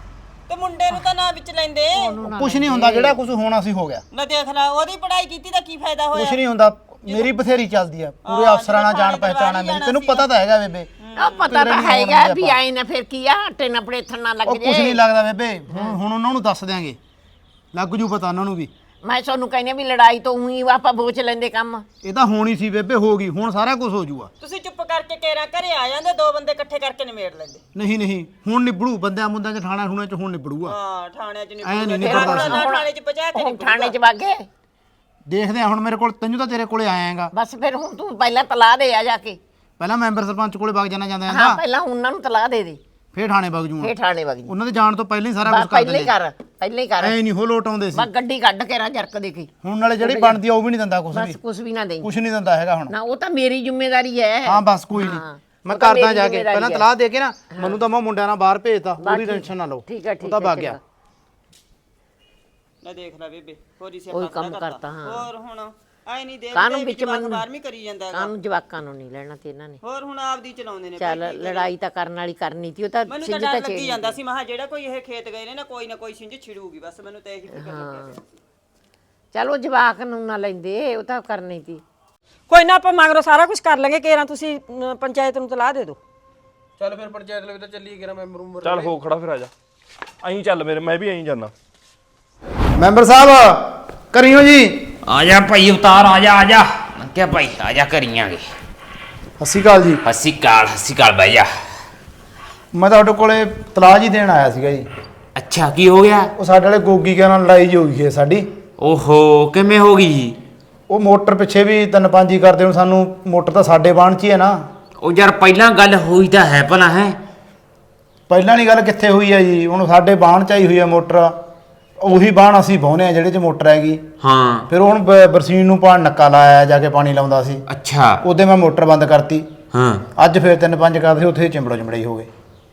ਤੇ ਮੁੰਡੇ ਨੂੰ ਤਾਂ ਨਾ ਵਿੱਚ ਲੈਂਦੇ। ਕੁਝ ਨਹੀਂ ਹੁੰਦਾ, ਜਿਹੜਾ ਕੁਝ ਹੋਣਾ ਸੀ ਹੋ ਗਿਆ। ਨਾ ਦੇਖ ਲੈ, ਉਹਦੀ ਪੜ੍ਹਾਈ ਕੀਤੀ ਤਾਂ ਕੀ ਫਾਇਦਾ ਹੋਇਆ। ਕੁਝ ਨਹੀਂ ਹੁੰਦਾ, ਮੇਰੀ ਬਥੇਰੀ ਚੱਲਦੀ ਆ, ਪੂਰੇ ਅਫਸਰਾਂ ਨਾਲ ਜਾਣ ਪਹਿਚਾਣਾ ਮੇਰੀ, ਤੈਨੂੰ ਪਤਾ ਤਾਂ ਹੈਗਾ ਬੇਬੇ। ਉਹ ਪਤਾ ਤਾਂ ਹੈਗਾ ਵੀ ਆਏ ਨਾ ਫਿਰ ਕੀ ਆ, ਆਟੇ ਨਾ ਪੜੇਥਣ ਨਾ ਲੱਗ ਉਹ ਜੇ। ਕੁਝ ਨਹੀਂ ਲੱਗਦਾ ਬੇਬੇ, ਹੁਣ ਹੁਣ ਉਹਨਾਂ ਨੂੰ ਦੱਸ ਦਿਆਂਗੇ, ਲੱਗ ਜੂ ਪਤਾ ਉਹਨਾਂ ਨੂੰ ਵੀ। ਮੈਂ ਤੁਹਾਨੂੰ ਕਹਿੰਦੀ ਵੀ ਲੜਾਈ ਤੋਂ ਉਹੀ ਆਪਾਂ ਬੋਚ ਲੈਂਦੇ ਕੰਮ। ਇਹ ਤਾਂ ਹੋਣੀ ਸੀ ਬੇਬੇ, ਹੋ ਗਈ, ਹੁਣ ਸਾਰਾ ਕੁਝ ਹੋ ਜੂਗਾ। ਤੁਸੀਂ ਚੁੱਪ ਕਰਕੇ ਕੇਰਾ ਘਰੇ ਆ ਜਾਂਦੇ, ਦੋ ਬੰਦੇ ਇਕੱਠੇ ਕਰਕੇ ਨਿਮੇੜ ਲੈਂਦੇ। ਨਹੀਂ ਨਹੀਂ, ਹੁਣ ਨਿਬੜੂ, ਬੰਦਿਆਂ ਮੁੰਦਿਆਂ ਚ ਠਾਣਾ ਠੂਣੇ ਚ ਹੁਣ ਨਿਬੜੂਗਾ। ਹਾਂ ਥਾਣਿਆਂ 'ਚ ਐ ਨਹੀਂ ਨਹੀਂ ਨਿਬੜਦਾ ਸੀ। ਥਾਣੇ 'ਚ ਪਹੁੰਚਾ ਕੇ ਹੁਣ ਥਾਣੇ 'ਚ ਵਾਗੇ। ਦੇਖਦੇ ਆ ਹੁਣ, ਮੇਰੇ ਕੋਲ ਤੈਨੂੰ ਤਾਂ ਤੇਰੇ ਕੋਲੇ ਆਇਆਗਾ, ਬਸ ਫਿਰ ਹੁਣ ਤੂੰ ਪਹਿਲਾਂ ਤਲਾਹ ਦੇ ਆ ਜਾ ਕੇ। ਪਹਿਲਾਂ ਮੈਂਬਰ ਸਰਪੰਚ ਕੋਲੇ ਵਗ ਜਾਣਾ ਜਾਂਦਾ ਹਾਂ ਜਾਂਦਾ, ਪਹਿਲਾਂ ਉਹਨਾਂ ਨੂੰ ਤਲਾਹ ਦੇ ਦੇ, ਫੇਰ ਠਾਣੇ ਵਗ ਜੂਗਾ। ਫੇਰ ਥਾਣੇ ਵਗ ਜੀ। ਉਹਨਾਂ ਦੇ ਜਾਣ ਤੋਂ ਪਹਿਲਾਂ ਹੀ ਸਾਰਾ ਬਸ ਕੁਝ ਕਰ ਪਹਿਲਾਂ ਹੀ ਦਿੰਦੇ। ਕਰ, ਪਹਿਲਾਂ ਹੀ ਕਰ। ਐ ਨਹੀਂ ਹੋ ਲੋਟ ਆਉਂਦੇ ਸੀ, ਬਸ ਗੱਡੀ ਕੱਢ ਕੇ ਨਾ ਜਰਕ ਦੇਖੀ। ਹੁਣ ਨਾਲੇ ਜਿਹੜੀ ਬਣਦੀ ਆ ਉਹ ਵੀ ਨਹੀਂ ਦਿੰਦਾ ਕੁਝ ਵੀ, ਬਸ ਕੁਝ ਵੀ ਨਾ ਦੇਈ। ਕੁਝ ਨਹੀਂ ਦਿੰਦਾ ਹੈਗਾ ਹੁਣ। ਨਾ ਉਹ ਤਾਂ ਮੇਰੀ ਜ਼ਿੰਮੇਵਾਰੀ ਹੈ। ਹਾਂ ਬਸ ਕੋਈ ਨਹੀਂ, ਹਾਂ, ਮੈਂ ਉਹ ਤਾਂ ਕਰਦਾ ਮੇਰੀ ਜਾ ਕੇ, ਜ਼ਿੰਮੇਵਾਰੀ ਪਹਿਲਾਂ ਹੈ। ਤਲਾਹ ਦੇ ਕੇ ਨਾ, ਮੈਨੂੰ ਤਾਂ ਮੈਂ ਮੁੰਡਿਆਂ ਨਾਲ ਬਾਹਰ ਭੇਜਤਾ, ਬਸ ਪੂਰੀ ਠੀਕ- ਟੈਨਸ਼ਨ ਨਾ ਲਓ। ਠੀਕ ਹੈ, ਠੀਕ ਉਹ ਤਾਂ ਹੈ, ਵਗ ਗਿਆ। ਚੰਗਾ। ਨਾ ਦੇਖ ਲੈ ਬੇਬੇ, ਹੋਰੀ ਸਿਆ ਉਹੀ ਕੰਮ ਕਰਤਾ, ਹਾਂ। ਹੋਰ ਹੁਣ ਆਏ ਨਹੀਂ ਦੇਖਦੇ ਕਾਹਨੂੰ ਵਿੱਚ ਮੈਨੂੰ ਬਾਰਵੀਂ ਕਰੀ ਜਾਂਦਾ ਹੈਗਾ। ਕਾਹਨੂੰ ਜਵਾਕਾਂ ਨੂੰ ਨਹੀਂ ਲੈਣਾ ਤੇ ਇਹਨਾਂ ਨੇ। ਹੋਰ ਹੁਣ ਆਪਦੀ ਚਲਾਉਂਦੇ ਨੇ। ਚੱਲ ਲੜਾਈ ਤਾਂ ਕਰਨ ਵਾਲੀ ਕਰਨੀ ਸੀ, ਉਹ ਤਾਂ ਮੈਨੂੰ ਤਾਂ ਸਿੰਜ ਡਰ ਤਾਂ ਲੱਗੀ ਛੇੜ। ਜਾਂਦਾ ਸੀ, ਮਹਾ ਜਿਹੜਾ ਕੋਈ ਇਹ ਖੇਤ ਗਏ ਨੇ ਨਾ, ਕੋਈ ਨਾ ਕੋਈ ਸਿੰਜ ਛਿੜੂਗੀ, ਬਸ ਮੈਨੂੰ ਤਾਂ ਇਹੀ ਫਿਕਰ ਲੱਗਿਆ ਪਿਆ ਸੀ। ਚੱਲ ਉਹ ਜਵਾਕ ਨੂੰ ਨਾ ਲੈਂਦੇ, ਉਹ ਤਾਂ ਕਰਨੀ ਸੀ। ਕੋਈ ਨਾ, ਆਪਾਂ ਮਗਰੋਂ ਸਾਰਾ ਕੁਝ ਕਰ ਲਾਂਗੇ। ਕੇਰਾ ਤੁਸੀਂ ਅਮ, ਪੰਚਾਇਤ ਨੂੰ ਤਲਾਹ ਦੇ ਦਿਓ। ਚੱਲ ਫਿਰ ਪੰਚਾਇਤ ਲਵੇ ਤਾਂ ਚੱਲੀਏ ਕਿਰਾ ਮੈਂਬਰ ਉਮਰ ਚੱਲ ਹੋ ਖੜਾ ਫਿਰ ਆ ਜਾ ਐਂ ਚੱਲ ਮੇਰੇ ਮੈਂ ਵੀ ਐਂ ਜਾਣਾ ਮੈਂਬਰ ਸਾਹਿਬ ਕਰਿਓ ਜੀ। ਆ ਜਾ ਭਾਈ ਉਤਾਰ ਆ ਜਾ ਆ ਜਾ ਮੈਂ ਕਿਹਾ ਭਾਈ ਆ ਜਾ ਕਰੀਆਂਗੇ। ਸਤਿ ਸ਼੍ਰੀ ਅਕਾਲ ਜੀ। ਹੱਸੀ ਕਾਲ ਹੱਸੀ ਕਾਲ ਬਹਿ ਜਾ। ਮੈਂ ਤੁਹਾਡੇ ਕੋਲੇ ਤਲਾਜ ਹੀ ਦੇਣ ਆਇਆ ਸੀਗਾ ਜੀ। ਅੱਛਾ ਕੀ ਹੋ ਗਿਆ? ਉਹ ਸਾਡੇ ਵਾਲੇ ਗੋਗੀ ਕੇ ਨਾਲ ਲੜਾਈ ਜਿਹੀ ਹੋ ਗਈ ਹੈ ਸਾਡੀ। ਓਹੋ ਕਿਵੇਂ ਹੋ ਗਈ? ਉਹ ਮੋਟਰ ਪਿੱਛੇ ਵੀ ਤਿੰਨ ਪੰਜ ਹੀ ਕਰਦੇ ਹੁਣ ਸਾਨੂੰ ਮੋਟਰ ਤਾਂ ਸਾਡੇ ਬਾਣ 'ਚ ਹੀ ਹੈ ਨਾ। ਉਹ ਯਾਰ ਪਹਿਲਾਂ ਗੱਲ ਹੋਈ ਤਾਂ ਹੈ ਭਲਾ ਹੈ। ਪਹਿਲਾਂ ਨਹੀਂ ਗੱਲ ਕਿੱਥੇ ਹੋਈ ਹੈ ਜੀ, ਹੁਣ ਸਾਡੇ ਬਾਣ 'ਚ ਆਈ ਹੋਈ ਹੈ ਮੋਟਰ। ਉਹੀ ਬਾਣ ਅਸੀਂ ਵਾਹੁੰਦੇ ਆ ਜਿਹੜੇ 'ਚ ਮੋਟਰ ਹੈਗੀ। ਹਾਂ ਫਿਰ ਹੁਣ ਬ- ਬਰਸੀਨ ਨੂੰ ਪਾਣ ਨੱਕਾ ਲਾਇਆ ਜਾ ਕੇ ਪਾਣੀ ਲਾਉਂਦਾ ਸੀ। ਅੱਛਾ ਉਹਦੇ ਮੈਂ ਮੋਟਰ ਬੰਦ ਕਰਤੀ। ਹਾਂ ਅੱਜ ਫਿਰ ਤਿੰਨ ਪੰਜ ਕਰਦੇ ਸੀ, ਉੱਥੇ ਚਿੰਬੜੋ ਚਿੰਬੜਾਈ ਹੋ ਗਏ।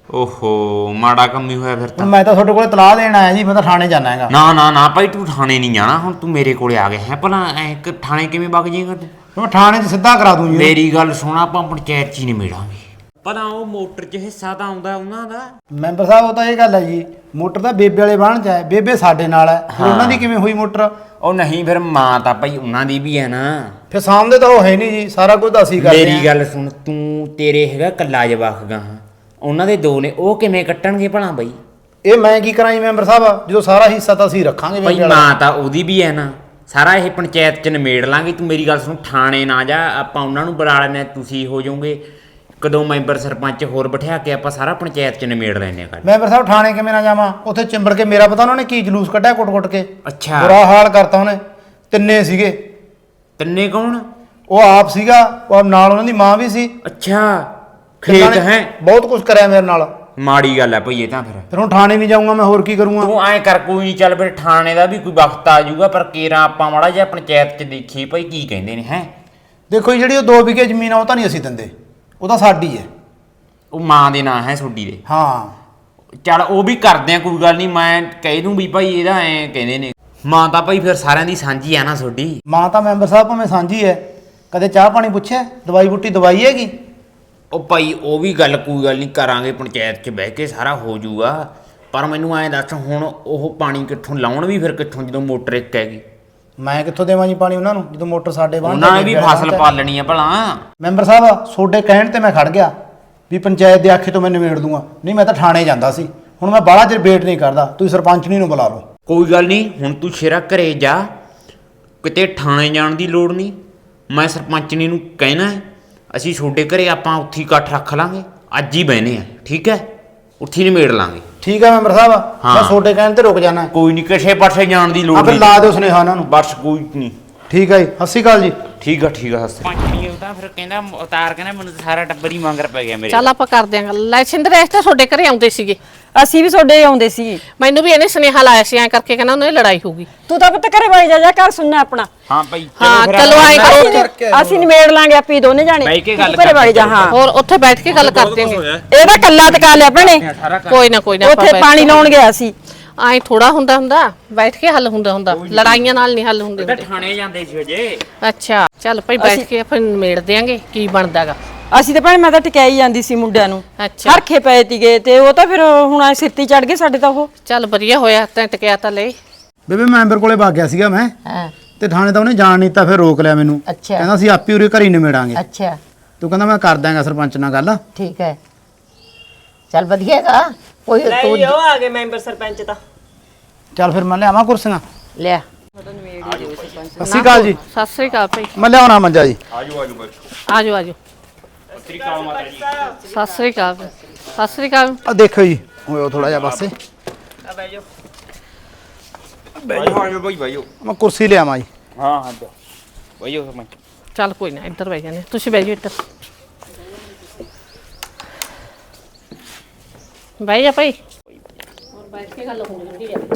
ਓਹੋ ਮਾੜਾ ਕੰਮ ਹੀ ਹੋਇਆ ਫਿਰ ਹੁਣ ਤਾਂ। ਮੈਂ ਤਾਂ ਤੁਹਾਡੇ ਕੋਲੇ ਤਲਾਹ ਦੇਣ ਆਇਆ ਜੀ, ਮੈਂ ਤਾਂ ਥਾਣੇ ਜਾਣਾ ਹੈਗਾ। ਨਾ ਨਾ ਨਾ ਭਾਈ ਤੂੰ ਥਾਣੇ ਨਹੀਂ ਜਾਣਾ, ਹੁਣ ਤੂੰ ਮੇਰੇ ਕੋਲੇ ਆ ਗਿਆ ਹੈ। ਭਲਾ ਐ ਕਿ ਥਾਣੇ ਕਿਵੇਂ ਵਗ ਜਾਏਗਾ ਤੂੰ? ਮੈਂ ਥਾਣੇ 'ਚ ਸਿੱਧਾ ਕਰਾ ਦੂੰ ਜੀ। ਮੇਰੀ ਗੱਲ ਸੁਣ ਆਪਾਂ ਪੰਚਾਇਤ 'ਚ ਹੀ ਨਿਬੇੜਾਂਗੇ। ਭਲਾ ਉਹ ਮੋਟਰ 'ਚ ਹਿੱਸਾ ਤਾਂ ਆਉਂਦਾ ਉਹਨਾਂ ਦਾ। ਮੈਂਬਰ ਸਾਹਿਬ ਉਹ ਤਾਂ ਇਹ ਗੱਲ ਹੈ ਜੀ, ਮੋਟਰ ਤਾਂ ਬੇਬੇ ਵਾਲੇ ਬਾਣ 'ਚ ਹੈ, ਬੇਬੇ ਸਾਡੇ ਨਾਲ ਹੈ। ਫਿਰ ਉਹਨਾਂ ਦੀ ਕਿਵੇਂ ਹੋਈ ਮੋਟਰ? ਉਹ ਨਹੀਂ ਫਿਰ ਮਾਂ ਤਾਂ ਭਾਈ ਉਹਨਾਂ ਦੀ ਵੀ ਹੈ ਨਾ। ਫਿਰ ਸਾਹਮਣੇ ਤਾਂ ਉਹ ਹੈ ਨਹੀਂ ਜੀ, ਸਾਰਾ ਕੁਝ ਤਾਂ ਅਸੀਂ ਕਰਦੇ ਮੇਰੀ ਗੱਲ ਸੁਣ, ਤੂੰ ਤੇਰੇ ਹੈਗਾ ਕੱਲਾ ਜਵਾਕ ਗਾ, ਉਹਨਾਂ ਦੇ ਦੋ ਨੇ, ਉਹ ਕਿਵੇਂ ਕੱਟਣਗੇ ਭਲਾ ਬਈ? ਇਹ ਮੈਂ ਕੀ ਕਰਾਂ ਜੀ ਮੈਂਬਰ ਸਾਹਿਬ, ਜਦੋਂ ਸਾਰਾ ਹਿੱਸਾ ਤਾਂ ਅਸੀਂ ਰੱਖਾਂਗੇ ਭਾਈ ਬੇਬੇ ਵਾਲਾ। ਮਾਂ ਤਾਂ ਉਹਦੀ ਵੀ ਹੈ ਨਾ। ਸਾਰਾ ਇਹ ਪੰਚਾਇਤ 'ਚ ਨਿਬੇੜ ਲਾਂਗੇ। ਤੂੰ ਮੇਰੀ ਗੱਲ ਸੁਣ, ਥਾਣੇ ਨਾ ਜਾ, ਆਪਾਂ ਉਹਨਾਂ ਨੂੰ ਬੁਲਾ ਲੈਣੇ, ਤੁਸੀਂ ਹੋ ਜਾਓਗੇ ਕਦੋਂ ਮੈਂਬਰ ਸਰਪੰਚ ਹੋਰ ਬਿਠਾ ਕੇ ਆਪਾਂ ਸਾਰਾ ਪੰਚਾਇਤ 'ਚ ਨਿਬੇੜ ਲੈਣੇ ਆ। ਮੈਂਬਰ ਸਾਹਿਬ ਥਾਣੇ ਕਿਵੇਂ ਨਾ ਜਾਵਾਂ, ਉੱਥੇ ਚਿੰਬੜ ਕੇ ਮੇਰਾ ਪਤਾ ਉਹਨਾਂ ਨੇ ਕੀ ਜਲੂਸ ਕੱਢਿਆ ਕੁੱਟ-ਕੁੱਟ ਕੇ। ਅੱਛਾ ਬੁਰਾ ਹਾਲ ਕਰਤਾ ਉਹਨੇ। ਤਿੰਨੇ ਸੀਗੇ। ਤਿੰਨੇ ਕੌਣ? ਉਹ ਆਪ ਸੀਗਾ, ਉਹ ਨਾਲ ਉਹਨਾਂ ਦੀ ਮਾਂ ਵੀ ਸੀ। ਅੱਛਾ ਤਿੰਨਾਂ ਖੇਤ ਨੇ ਹੈ। ਬਹੁਤ ਕੁਝ ਕਰਿਆ ਮੇਰੇ ਨਾਲ। ਮਾੜੀ ਗੱਲ ਹੈ ਭਈ ਇਹ ਤਾਂ। ਫਿਰ ਫਿਰ ਹੁਣ ਥਾਣੇ ਨਹੀਂ ਜਾਊਂਗਾ ਮੈਂ, ਹੋਰ ਕੀ ਕਰੂੰਗਾ? ਤੂੰ ਐਂ ਕਰ, ਕੋਈ ਨਹੀਂ, ਚੱਲ ਫਿਰ ਥਾਣੇ ਦਾ ਵੀ ਕੋਈ ਵਕਤ ਆ ਜਾਊਗਾ, ਪਰ ਕੇਰਾ ਆਪਾਂ ਮਾੜਾ ਜਿਹਾ ਪੰਚਾਇਤ 'ਚ ਦੇਖੀ ਭਈ ਕੀ ਕਹਿੰਦੇ ਨੇ। ਹੈ ਦੇਖੋ ਜੀ, ਜਿਹੜੀ ਉਹ ਦੋ ਵਿਗੇ ਜ਼ਮੀਨ ਆ ਉਹ ਤਾਂ ਨਹੀਂ ਅਸੀਂ ਦਿੰਦੇ, ਉਹ ਤਾਂ ਸਾਡੀ ਹੈ। ਉਹ ਮਾਂ ਦੇ ਨਾਂ ਹੈ ਤੁਹਾਡੀ ਦੇ। ਹਾਂ ਚੱਲ ਉਹ ਵੀ ਕਰਦੇ ਆ, ਕੋਈ ਗੱਲ ਨਹੀਂ, ਮੈਂ ਕਹਿ ਦੂੰ ਵੀ ਭਾਈ ਇਹਦਾ ਐਂ ਕਹਿੰਦੇ ਨੇ। ਮਾਂ ਤਾਂ ਭਾਈ ਫਿਰ ਸਾਰਿਆਂ ਦੀ ਸਾਂਝੀ ਆ ਨਾ ਤੁਹਾਡੀ। ਮਾਂ ਤਾਂ ਮੈਂਬਰ ਸਾਹਿਬ ਭਾਵੇਂ ਸਾਂਝੀ ਹੈ, ਕਦੇ ਚਾਹ ਪਾਣੀ ਪੁੱਛਿਆ? ਦਵਾਈ ਬੂਟੀ ਦਵਾਈ ਹੈਗੀ? ਉਹ ਭਾਈ ਉਹ ਵੀ ਗੱਲ ਕੋਈ ਗੱਲ ਨਹੀਂ, ਕਰਾਂਗੇ ਪੰਚਾਇਤ 'ਚ ਬਹਿ ਕੇ, ਸਾਰਾ ਹੋ ਜਾਊਗਾ। ਪਰ ਮੈਨੂੰ ਐਂ ਦੱਸ ਹੁਣ ਉਹ ਪਾਣੀ ਕਿੱਥੋਂ ਲਾਉਣ ਵੀ ਫਿਰ ਕਿੱਥੋਂ, ਜਦੋਂ ਮੋਟਰ ਇੱਕ ਹੈਗੀ? ਮੈਂ ਕਿੱਥੋਂ ਦੇਵਾਂ ਜੀ ਪਾਣੀ ਉਹਨਾਂ ਨੂੰ, ਜਦੋਂ ਮੋਟਰ ਸਾਡੇ ਬਾਹਰ? ਉਹਨਾਂ ਨੇ ਵੀ ਫਸਲ ਪਾਲਣੀ ਆ ਭਲਾ। ਮੈਂਬਰ ਸਾਹਿਬ ਤੁਹਾਡੇ ਕਹਿਣ ਤੇ ਮੈਂ ਖੜ ਗਿਆ ਵੀ ਪੰਚਾਇਤ ਦੇ ਆਖੇ ਤੋਂ ਮੈਂ ਨਿਬੇੜ ਦੂੰਗਾ, ਨਹੀਂ ਮੈਂ ਤਾਂ ਥਾਣੇ ਜਾਂਦਾ ਸੀ। ਹੁਣ ਮੈਂ ਬਾਹਲਾ ਚਿਰ ਵੇਟ ਨਹੀਂ ਕਰਦਾ, ਤੁਸੀਂ ਸਰਪੰਚਣੀ ਨੂੰ ਬੁਲਾ ਲਓ। ਕੋਈ ਗੱਲ ਨਹੀਂ, ਹੁਣ ਤੂੰ ਸ਼ੇਰਾ ਘਰੇ ਜਾ, ਕਿਤੇ ਥਾਣੇ ਜਾਣ ਦੀ ਲੋੜ ਨਹੀਂ। ਮੈਂ ਸਰਪੰਚਣੀ ਨੂੰ ਕਹਿਣਾ ਹੈ, ਅਸੀਂ ਤੁਹਾਡੇ ਘਰੇ ਆਪਾਂ ਉੱਥੇ ਹੀ ਇਕੱਠ ਰੱਖ ਲਾਂਗੇ, ਅੱਜ ਹੀ ਬਹਿਨੇ ਆ, ਠੀਕ ਹੈ? ਉੱਥੇ ਨਿਬੇੜ ਲਾਂਗੇ। ਠੀਕ ਹੈ ਮੈਂਬਰ ਸਾਹਿਬ, ਹਾਂ। ਮੈਂ ਤੁਹਾਡੇ ਕਹਿਣ ਤੇ ਰੁਕ ਜਾਣਾ। ਕੋਈ ਨਹੀਂ, ਕਿਸੇ ਪਾਸੇ ਜਾਣ ਦੀ ਲੋੜ ਆ ਫਿਰ ਨਹੀਂ। ਲਾ ਦਿਓ ਸੁਨੇਹਾ ਉਹਨਾਂ ਨੂੰ। ਬਸ ਕੋਈ ਨਹੀਂ। ਠੀਕ ਹੈ ਜੀ, ਸਤਿ ਸ਼੍ਰੀ ਅਕਾਲ ਜੀ। ਠੀਕ ਆ ਠੀਕ ਆ। ਹੱਸ ਪੰਚਣੀ ਉਹਦਾ ਫਿਰ ਕਹਿੰਦਾ ਉਤਾਰ ਕਹਿੰਦਾ ਮੈਨੂੰ ਤਾਂ ਸਾਰਾ ਟੱਬਰ ਹੀ ਮੰਗਰ ਪੈ ਗਿਆ ਮੇਰੇ। ਚੱਲ ਆਪਾਂ ਕਰਦੇ ਆਂ ਗੱਲ। ਲੈ ਸਿੰਦਰ ਇਸ ਤਾਂ ਤੁਹਾਡੇ ਘਰੇ ਆਉਂਦੇ ਸੀਗੇ, ਅਸੀਂ ਵੀ ਤੁਹਾਡੇ ਆਉਂਦੇ ਸੀ। ਮੈਨੂੰ ਵੀ ਇਹਨੇ ਸੁਨੇਹਾ ਲਾਇਆ ਸੀ ਐਂ ਕਰਕੇ, ਕਹਿੰਦਾ ਉਹਨਾਂ ਦੀ ਲੜਾਈ ਹੋਊਗੀ। ਤੂੰ ਤਾਂ ਪੁੱਤ ਘਰੇ ਵਗ ਜਾ, ਜਾ ਘਰ ਸੁਣਨਾ ਆਪਣਾ। ਹਾਂ ਭਾਈ ਹਾਂ, ਫਿਰ ਚਲੋ ਆਏਂ ਆਪਾਂ- ਕਰੋ। ਅਸੀਂ ਨਿਬੇੜ ਲਾਂਗੇ ਆਪੀ ਦੋਨੇ ਜਾਣੇ। ਬਹਿ ਕੇ ਗੱਲ ਤੂੰ ਘਰੇ ਵਗ ਜਾ। ਕਰਦੇ ਹਾਂ ਹੋਰ ਉੱਥੇ ਬੈਠ ਕੇ ਗੱਲ ਕਰਦੇ ਆਂ। ਇਹਦਾ ਕੱਲਾ ਟਕਾ ਲਿਆ ਭੈਣੇ, ਕੋਈ ਨਾ ਕੋਈ ਨਾ, ਉੱਥੇ ਪਾਣੀ ਲਾਉਣ ਗਿਆ ਸੀ। ਐਂ ਥੋੜਾ ਹੁੰਦਾ ਹੁੰਦਾ, ਬੈਠ ਕੇ ਹੱਲ ਹੁੰਦਾ ਹੁੰਦਾ, ਲੜਾਈਆਂ ਨਾਲ ਨਹੀਂ ਹੱਲ ਹੁੰਦੇ ਤਾਂ ਹੁੰਦੇ। ਥਾਣੇ ਜਾਂਦੇ ਸੀ ਅਜੇ। ਅੱਛਾ ਚੱਲ ਭਾਈ ਬੈਠ ਕੇ ਫਿਰ ਨਿਬੇੜ ਦਿਆਂਗੇ ਕੀ ਬਣਦਾਗਾ। ਅਸੀਂ ਤਾਂ ਭੈਣੇ ਮੈਂ ਤਾਂ ਟਿਕਾਈ ਜਾਂਦੀ ਸੀ ਮੁੰਡਿਆਂ ਨੂੰ, ਅੱਛਾ ਹਰਖੇ ਪਏ ਤੀਗੇ ਤੇ ਉਹ ਤਾਂ ਫਿਰ ਹੁਣ ਐ ਸਿਰ ਤੇ ਚੜ ਗਏ ਸਾਡੇ ਤਾਂ। ਉਹ ਚੱਲ ਵਧੀਆ ਹੋਇਆ ਤੈਂ ਟਕਿਆ ਤਾਂ ਲੈ। ਬੇਬੇ ਮੈਂਬਰ ਕੋਲੇ ਵਗ ਗਿਆ ਸੀਗਾ ਮੈਂ, ਹਾਂ ਤੇ ਥਾਣੇ ਤਾਂ ਉਹਨੇ ਜਾਣ ਨਹੀਂ ਦਿੱਤਾ, ਫਿਰ ਰੋਕ ਲਿਆ ਮੈਨੂੰ। ਅੱਛਾ। ਕਹਿੰਦਾ ਅਸੀਂ ਆਪੇ ਉਰੇ ਘਰੀ ਨਿਬੇੜਾਂਗੇ। ਅੱਛਾ ਤੂੰ ਕਹਿੰਦਾ ਮੈਂ ਕਰ ਦਾਂਗਾ ਸਰਪੰਚ ਨਾਲ ਗੱਲ। ਠੀਕ ਹੈ, ਚੱਲ ਵਧੀਆ ਹੈਗਾ। ਕੋਈ ਤੂੰ ਨਹੀਂ ਉਹ ਆ ਗਏ ਮੈਂਬਰ ਸਰਪੰਚ ਤਾਂ। ਚੱਲ ਫਿਰ ਮੈਂ ਲਿਆਵਾਂ ਕੁਰਸੀਆਂ। ਲਿਆ। ਸਤਿ ਸ਼੍ਰੀ ਅਕਾਲ ਜੀ। ਸਤਿ ਸ੍ਰੀ ਅਕਾਲ ਭਾਈ। ਮੈਂ ਲਿਆਉਣਾ ਮੰਜਾ ਜੀ। ਆਜੋ ਆਜੋ। ਸਤਿ ਸ੍ਰੀ ਅਕਾਲ ਸਤਿ ਸ੍ਰੀ ਅਕਾਲ। ਆ ਦੇਖੋ ਜੀ, ਹੋਇਓ ਥੋੜਾ ਜਿਹਾ ਪਾਸੇ। ਆ ਬਹਿ ਜਾਓ। ਆਜੋ ਭਾਈ ਭਾਈਓ। ਮੈਂ ਕੁਰਸੀ ਲਿਆਵਾਂ ਜੀ। ਹਾਂ ਹਾਂ ਭਾਈਓ ਮੈਂ ਚੱਲ ਕੋਈ ਨਾ, ਇੱਧਰ ਬਹਿ ਜਾਨੇ, ਤੁਸੀਂ ਬਹਿ ਜਾਓ ਇੱਧਰ। ਬਹਿ ਜਾ ਭਾਈ। ਹੋਰ ਬੈਠ ਕੇ ਗੱਲ ਹੋਣੀ ਹੈ।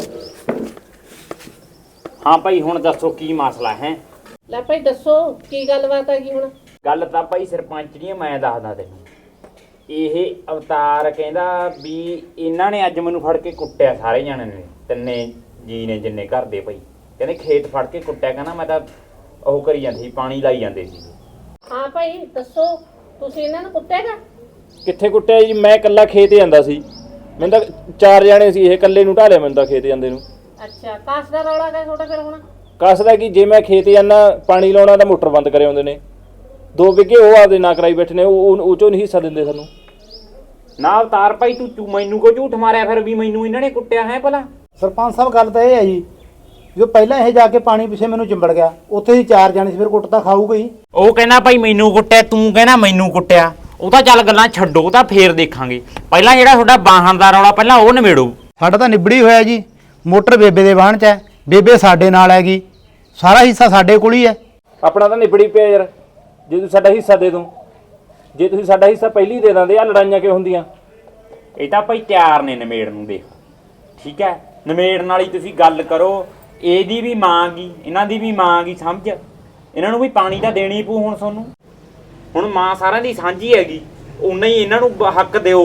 ਹਾਂ ਭਾਈ ਹੁਣ ਦੱਸੋ ਕੀ ਮਸਲਾ ਹੈ? ਲੈ ਭਾਈ ਦੱਸੋ ਕੀ ਗੱਲਬਾਤ ਹੈਗੀ ਹੁਣ? ਗੱਲ ਤਾਂ ਭਾਈ ਸਰਪੰਚ ਜੀ ਮੈਂ ਦੱਸਦਾ ਤੈਨੂੰ। ਇਹ ਅਵਤਾਰ ਕਹਿੰਦਾ ਵੀ ਇਹਨਾਂ ਨੇ ਅੱਜ ਮੈਨੂੰ ਫੜ ਕੇ ਕੁੱਟਿਆ, ਸਾਰੇ ਜਾਣੇ ਨੇ, ਤਿੰਨੇ ਜੀ ਨੇ ਜਿੰਨੇ ਘਰ ਦੇ ਭਾਈ। ਕਹਿੰਦੇ ਖੇਤ ਫੜ ਕੇ ਕੁੱਟਿਆ, ਕਹਿੰਦਾ ਮੈਂ ਤਾਂ ਉਹ ਕਰੀ ਜਾਂਦੀ ਸੀ, ਪਾਣੀ ਲਾਈ ਜਾਂਦੇ ਸੀ। ਹਾਂ ਭਾਈ ਦੱਸੋ, ਤੁਸੀਂ ਇਹਨਾਂ ਨੂੰ ਕੁੱਟਿਆਗਾ? ਕਿੱਥੇ ਕੁੱਟਿਆ ਜੀ, ਮੈਂ ਇਕੱਲਾ ਖੇਤ ਜਾਂਦਾ ਸੀ। ਮੈਨੂੰ ਤਾਂ ਚਾਰ ਜਾਣੇ ਸੀ, ਇਹ ਇਕੱਲੇ ਨੂੰ ਢਾਲਿਆ ਮੈਨੂੰ ਤਾਂ ਖੇਤ ਜਾਂਦੇ ਨੂੰ। ਅੱਛਾ, ਕਾਸ ਦਾ ਰੌਲਾ ਹੈ ਤੁਹਾਡਾ ਫਿਰ ਹੁਣ? ਕੱਸਦਾ ਕਿ ਜੇ ਮੈਂ ਖੇਤ ਜਾਂਦਾ ਪਾਣੀ ਲਾਉਣਾ ਤਾਂ ਮੋਟਰ ਬੰਦ ਕਰੇ ਆਉਂਦੇ ਨੇ। ਦੋ ਵਿਗੇ ਉਹ ਆਪਦੇ ਨਾ ਕਰਾਈ ਬੈਠੇ ਨੇ, ਉਹ ਉਹ ਚੋਂ ਨਹੀਂ ਹਿੱਸਾ ਦਿੰਦੇ ਸਾਨੂੰ। ਨਾ ਅਵਤਾਰ ਭਾਈ ਤੂੰ ਤੂੰ ਮੈਨੂੰ ਕੋ ਝੂਠ ਮਾਰਿਆ ਫਿਰ ਵੀ ਮੈਨੂੰ ਇਹਨਾਂ ਨੇ ਕੁੱਟਿਆ ਹੈ ਭਲਾ। ਸਰਪੰਚ ਸਾਹਿਬ ਗੱਲ ਤਾਂ ਇਹ ਹੈ ਜੀ ਜੋ ਪਹਿਲਾਂ ਇਹ ਜਾ ਕੇ ਪਾਣੀ ਪਿੱਛੇ ਮੈਨੂੰ ਚਿੰਬੜ ਗਿਆ, ਉੱਥੇ ਹੀ ਚਾਰ ਜਾਣੇ ਸੀ, ਫਿਰ ਕੁੱਟ ਤਾਂ ਖਾਊਗਾ ਹੀ। ਉਹ ਕਹਿੰਦਾ ਭਾਈ ਮੈਨੂੰ ਕੁੱਟਿਆ, ਤੂੰ ਕਹਿੰਦਾ ਮੈਨੂੰ ਕੁੱਟਿਆ। ਉਹ ਤਾਂ ਚੱਲ ਗੱਲਾਂ ਛੱਡੋ, ਉਹ ਤਾਂ ਫੇਰ ਦੇਖਾਂਗੇ। ਪਹਿਲਾਂ ਜਿਹੜਾ ਤੁਹਾਡਾ ਬਾਹਣ ਦਾ ਰੌਲਾ ਪਹਿਲਾਂ ਉਹ ਨਿਬੇੜੋ। ਸਾਡਾ ਤਾਂ ਨਿਬੜੀ ਹੋਇਆ ਜੀ, ਮੋਟਰ ਬੇਬੇ ਦੇ ਵਾਹਣ 'ਚ ਹੈ, ਬੇਬੇ ਸਾਡੇ ਨਾਲ ਹੈਗੀ, ਸਾਰਾ ਹਿੱਸਾ ਸਾਡੇ ਕੋਲ ਹੀ ਹੈ। ਆਪਣਾ ਤਾਂ ਨਿਬੜੀ ਪਿਆ ਯਾਰ, ਜੇ ਤੂੰ ਸਾਡਾ ਹਿੱਸਾ ਦੇ ਦੋ, ਜੇ ਤੁਸੀਂ ਸਾਡਾ ਹਿੱਸਾ ਪਹਿਲੀ ਦੇ ਦਿੰਦੇ ਆ ਲੜਾਈਆਂ ਕਿਉਂ ਹੁੰਦੀਆਂ? ਇਹ ਤਾਂ ਭਾਈ ਤਿਆਰ ਨੇ ਨਿਬੇੜ ਨੂੰ, ਦੇਖ ਠੀਕ ਹੈ। ਨਿਬੇੜਨ ਵਾਲੀ ਤੁਸੀਂ ਗੱਲ ਕਰੋ, ਇਹਦੀ ਵੀ ਮਾਂ ਗੀ, ਇਹਨਾਂ ਦੀ ਵੀ ਮਾਂ ਗੀ, ਸਮਝ। ਇਹਨਾਂ ਨੂੰ ਵੀ ਪਾਣੀ ਤਾਂ ਦੇਣੀ ਪਊ ਹੁਣ ਤੁਹਾਨੂੰ। ਹੁਣ ਮਾਂ ਸਾਰਿਆਂ ਦੀ ਸਾਂਝੀ ਹੈਗੀ, ਉਨਾ ਹੀ ਇਹਨਾਂ ਨੂੰ ਬ- ਹੱਕ ਦਿਓ।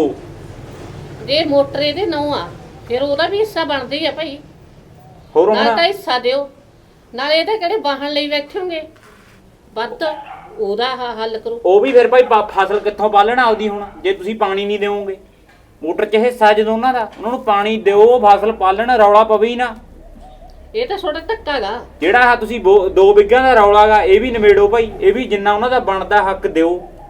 ਜੇ ਮੋਟਰ ਇਹਦੇ ਨਾਂ ਆ ਫਿਰ ਉਹਦਾ ਵੀ ਹਿੱਸਾ ਬਣਦਾ ਹੀ ਆ ਭਾਈ। ਹੋਰ ਨਾਲ ਤਾਂ ਹੁਣ ਹਿੱਸਾ ਦਿਓ, ਨਾਲ ਇਹਦੇ ਕਿਹੜੇ ਵਾਹਣ ਲਈ ਬੈਠੋਗੇ, ਵੱਧ ਉਹਦਾ ਹ- ਹੱਲ ਕਰੋ। ਉਹ ਵੀ ਫਿਰ ਭਾਈ ਬ- ਫਸਲ ਕਿੱਥੋਂ ਪਾਲਣਾ ਉਹਦੀ ਹੁਣ, ਜੇ ਤੁਸੀਂ ਪਾਣੀ ਨਹੀਂ ਦਿਓਗੇ। ਮੋਟਰ 'ਚ ਹਿੱਸਾ ਜਦੋਂ ਉਹਨਾਂ ਦਾ, ਉਹਨਾਂ ਨੂੰ ਪਾਣੀ ਦਿਓ, ਫਸਲ ਪਾਲਣ, ਰੌਲਾ ਪਵੇ ਹੀ ਨਾ। ਇਹ ਤਾਂ ਤੁਹਾਡਾ ਧੱਕਾ ਗਾ। ਜਿਹੜਾ ਆ ਤੁਸੀਂ ਬੋ- ਦੋ ਬਿੱਗਿਆਂ ਦਾ ਰੌਲਾ ਗਾ, ਇਹ ਵੀ ਨਿਬੇੜੋ ਭਾਈ। ਇਹ ਵੀ ਜਿੰਨਾ ਉਹਨਾਂ ਦਾ ਬਣਦਾ ਹੱਕ ਦਿਓ।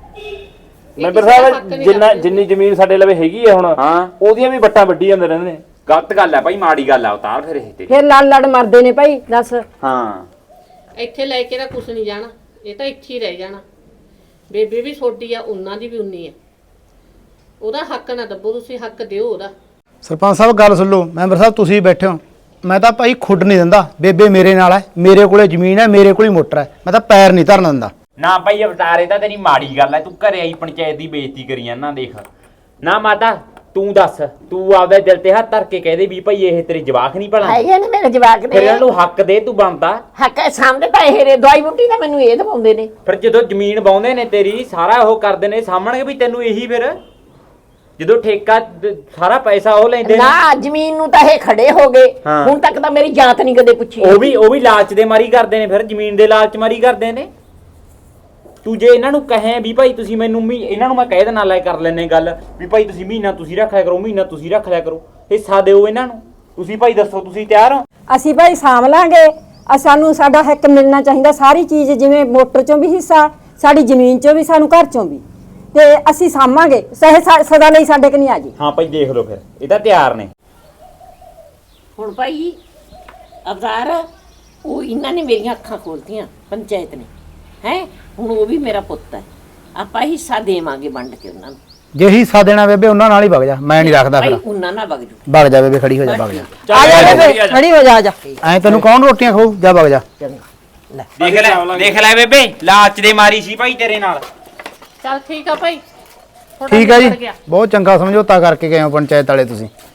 ਮੈਂਬਰ ਕਿਸੇ ਦਾ ਹੱਕ ਸਾਹਿਬ ਨਹੀਂ ਜਿੰਨਾ ਰੱਖਦੇ। ਜਿੰਨੀ ਜ਼ਮੀਨ ਸਾਡੇ ਲਵੇ ਹੈਗੀ ਆ ਹੁਣ, ਹਾਂ ਉਹਦੀਆਂ ਵੀ ਵੱਟਾਂ ਵੱਢੀ ਜਾਂਦੇ ਰਹਿੰਦੇ ਨੇ। ਗਲਤ ਗੱਲ ਹੈ ਭਾਈ, ਮਾੜੀ ਗੱਲ ਆ ਉਤਾਰ ਫਿਰ ਇਹ ਤੇ। ਫਿਰ ਲੜ ਲੜ ਮਰਦੇ ਨੇ ਭਾਈ, ਦੱਸ। ਹਾਂ ਇੱਥੇ ਲੈ ਕੇ ਤਾਂ ਕੁਛ ਨਹੀਂ ਜਾਣਾ, ਇਹ ਤਾਂ ਇੱਥੇ ਹੀ ਰਹਿ ਜਾਣਾ। ਬੇਬੇ ਵੀ ਛੋਟੀ ਆ, ਉਹਨਾਂ ਦੀ ਵੀ ਉਨੀ ਆ। ਉਹਦਾ ਹੱਕ ਨਾ ਦੱਬੋ, ਤੁਸੀਂ ਹੱਕ ਦਿਓ ਉਹਦਾ। ਸਰਪੰਚ ਸਾਹਿਬ ਗੱਲ ਸੁਣ ਲਓ, ਮੈਂਬਰ ਸਾਹਿਬ ਤੁਸੀਂ ਬੈਠੇ ਹੋ, ਮੈਂ ਤਾਂ ਭਾਈ ਖੁੱਡ ਨਹੀਂ ਦਿੰਦਾ। ਬੇਬੇ ਮੇਰੇ ਨਾਲ ਹੈ, ਮੇਰੇ ਕੋਲੇ ਜ਼ਮੀਨ ਹੈ, ਮੇਰੇ ਕੋਲ ਹੀ ਮੋਟਰ ਹੈ, ਮੈਂ ਤਾਂ ਪੈਰ ਨਹੀਂ ਧਰਨ ਦਿੰਦਾ। ਨਾ ਭਾਈ ਅਵਤਾਰੇ ਤਾਂ ਤੇਰੀ ਮਾੜੀ ਗੱਲ ਹੈ, ਤੂੰ ਘਰੇ ਆਈ ਪੰਚਾਇਤ ਦੀ ਬੇਇੱਜ਼ਤੀ ਕਰੀ ਜਾਂਦਾ। ਦੇਖ ਨਾ ਮਾਤਾ, ਤੂੰ ਦੱਸ, ਤੂੰ ਆਪਦੇ ਦਿਲ ਤੇ ਹੱਥ ਧਰ ਕੇ ਕਹਦੇ ਵੀ ਭਾਈ ਇਹ ਤੇਰੇ ਜਵਾਕ ਨਹੀਂ ਭਲਾ, ਹੈਗੇ ਨੇ ਮੇਰੇ ਜਵਾਕ ਫਿਰ ਨੇ, ਇਹਨਾਂ ਨੂੰ ਹੱਕ ਦੇ, ਤੂੰ ਬਣਦਾ। ਹੱਕ ਹੈ ਸਾਹਮਣੇ ਤਾਂ ਇਹ ਰੇ ਦਵਾਈ ਬੂਟੀ ਤਾਂ ਮੈਨੂੰ ਇਹ ਦਵਾਉਂਦੇ ਨੇ। ਫਿਰ ਜਦੋਂ ਜ਼ਮੀਨ ਬਾਉਂਦੇ ਨੇ ਤੇਰੀ, ਸਾਰਾ ਉਹ ਕਰਦੇ ਨੇ, ਸਾਹਮਣੇ ਵੀ ਤੈਨੂੰ ਇਹੀ। ਫਿਰ ਜਦੋਂ ਠੇਕਾ ਦ- ਸਾਰਾ ਪੈਸਾ ਉਹ ਲੈਂਦੇ ਨੇ, ਨਾ ਜ਼ਮੀਨ ਨੂੰ ਤਾਂ ਇਹ ਖੜੇ ਹੋ ਗਏ, ਹਾਂ। ਹੁਣ ਤੱਕ ਤਾਂ ਮੇਰੀ ਜਾਂਚ ਨਹੀਂ ਕਦੇ ਪੁੱਛੀ। ਉਹ ਵੀ ਉਹ ਵੀ ਲਾਲਚ ਦੇ ਮਾਰੀ ਕਰਦੇ ਨੇ, ਫਿਰ ਜ਼ਮੀਨ ਦੇ ਲਾਲਚ ਮਾਰੀ ਕਰਦੇ ਨੇ। ਤੂੰ ਜੇ ਇਹਨਾਂ ਨੂੰ ਕਹੇ ਵੀ ਭਾਈ ਤੁਸੀਂ ਮੈਨੂੰ ਮੀ ਇਹਨਾਂ ਨੂੰ ਮੈਂ ਕਹਿ ਦੇਣਾ ਲੈ ਕਰ ਲੈਨੇ ਗੱਲ ਵੀ ਭਾਈ ਤੁਸੀਂ ਮਹੀਨਾ ਤੁਸੀਂ ਰੱਖ ਲਿਆ ਕਰੋ, ਮਹੀਨਾ ਤੁਸੀਂ ਰੱਖ ਲਿਆ ਕਰੋ, ਹਿੱਸਾ ਦਿਓ ਇਹਨਾਂ ਨੂੰ। ਤੁਸੀਂ ਭਾਈ ਦੱਸੋ, ਤੁਸੀਂ ਤਿਆਰ ਹੋ? ਅਸੀਂ ਭਾਈ ਸਾਂਭ ਲਾਂਗੇ, ਅ ਸਾਨੂੰ ਸਾਡਾ ਹੱਕ ਮਿਲਣਾ ਚਾਹੀਦਾ, ਸਾਰੀ ਚੀਜ਼, ਜਿਵੇਂ ਮੋਟਰ ਚੋਂ ਵੀ ਹਿੱਸਾ, ਸਾਡੀ ਜ਼ਮੀਨ ਚੋਂ ਵੀ, ਸਾਨੂੰ ਘਰ ਚੋਂ ਵੀ, ਤੇ ਅਸੀਂ ਸਾਂਭਾਂਗੇ, ਸਹਿ ਸਾ- ਸਦਾ ਲਈ ਸਾਡੇ ਕਿ ਨਹੀਂ ਆ ਜੀ। ਹਾਂ ਭਾਈ ਦੇਖ ਲਓ, ਫਿਰ ਇਹ ਤਾਂ ਤਿਆਰ ਨੇ। ਹੁਣ ਭਾਈ ਅਵਤਾਰ, ਉਹ ਇਹਨਾਂ ਨੇ ਮੇਰੀਆਂ ਅੱਖਾਂ ਖੋਲਤੀਆਂ, ਪੰਚਾਇਤ ਨੇ, ਹੈ ਹੁਣ ਉਹ ਵੀ ਮੇਰਾ ਪੁੱਤ ਹੈ, ਆਪਾਂ ਹਿੱਸਾ ਦੇਵਾਂਗੇ ਵੰਡ ਕੇ ਉਹਨਾਂ ਨੂੰ। ਜੇ ਹਿੱਸਾ ਦੇਣਾ ਬੇਬੇ ਉਹਨਾਂ ਨਾਲ ਹੀ ਵਗ ਜਾ, ਮੈਂ ਨਹੀਂ ਰੱਖਦਾ। ਭਾਈ ਫਿਰ ਉਹਨਾਂ ਨਾਲ ਵਗ ਜੂ। ਵਗ ਜਾ ਬੇਬੇ, ਖੜੀ ਹੋ ਜਾ, ਵਗ ਜਾ। ਆ ਜਾ ਬੇਬੇ, ਖੜੀ ਹੋ ਜਾ, ਆ ਜਾ। ਐ ਤੈਨੂੰ ਕੌਣ ਰੋਟੀਆਂ ਖਾਊ, ਜਾ ਵਗ ਜਾ। ਚੰਗਾ ਲੈ ਦੇਖ ਲੈ ਦੇਖ ਲੈ ਬੇਬੇ, ਲਾਲਚ ਦੇ ਮਾਰੀ ਸੀ ਭਾਈ ਤੇਰੇ ਨਾਲ। ਚੱਲ ਠੀਕ ਆ ਭਾਈ, ਤੁਹਾਡਾ ਠੀਕ ਹੈ ਨਿਬੜ ਜੀ, ਗਿਆ। ਬਹੁਤ ਚੰਗਾ ਸਮਝੌਤਾ ਕਰਕੇ ਗਏ ਹੋ ਪੰਚਾਇਤ ਵਾਲੇ ਤੁਸੀਂ।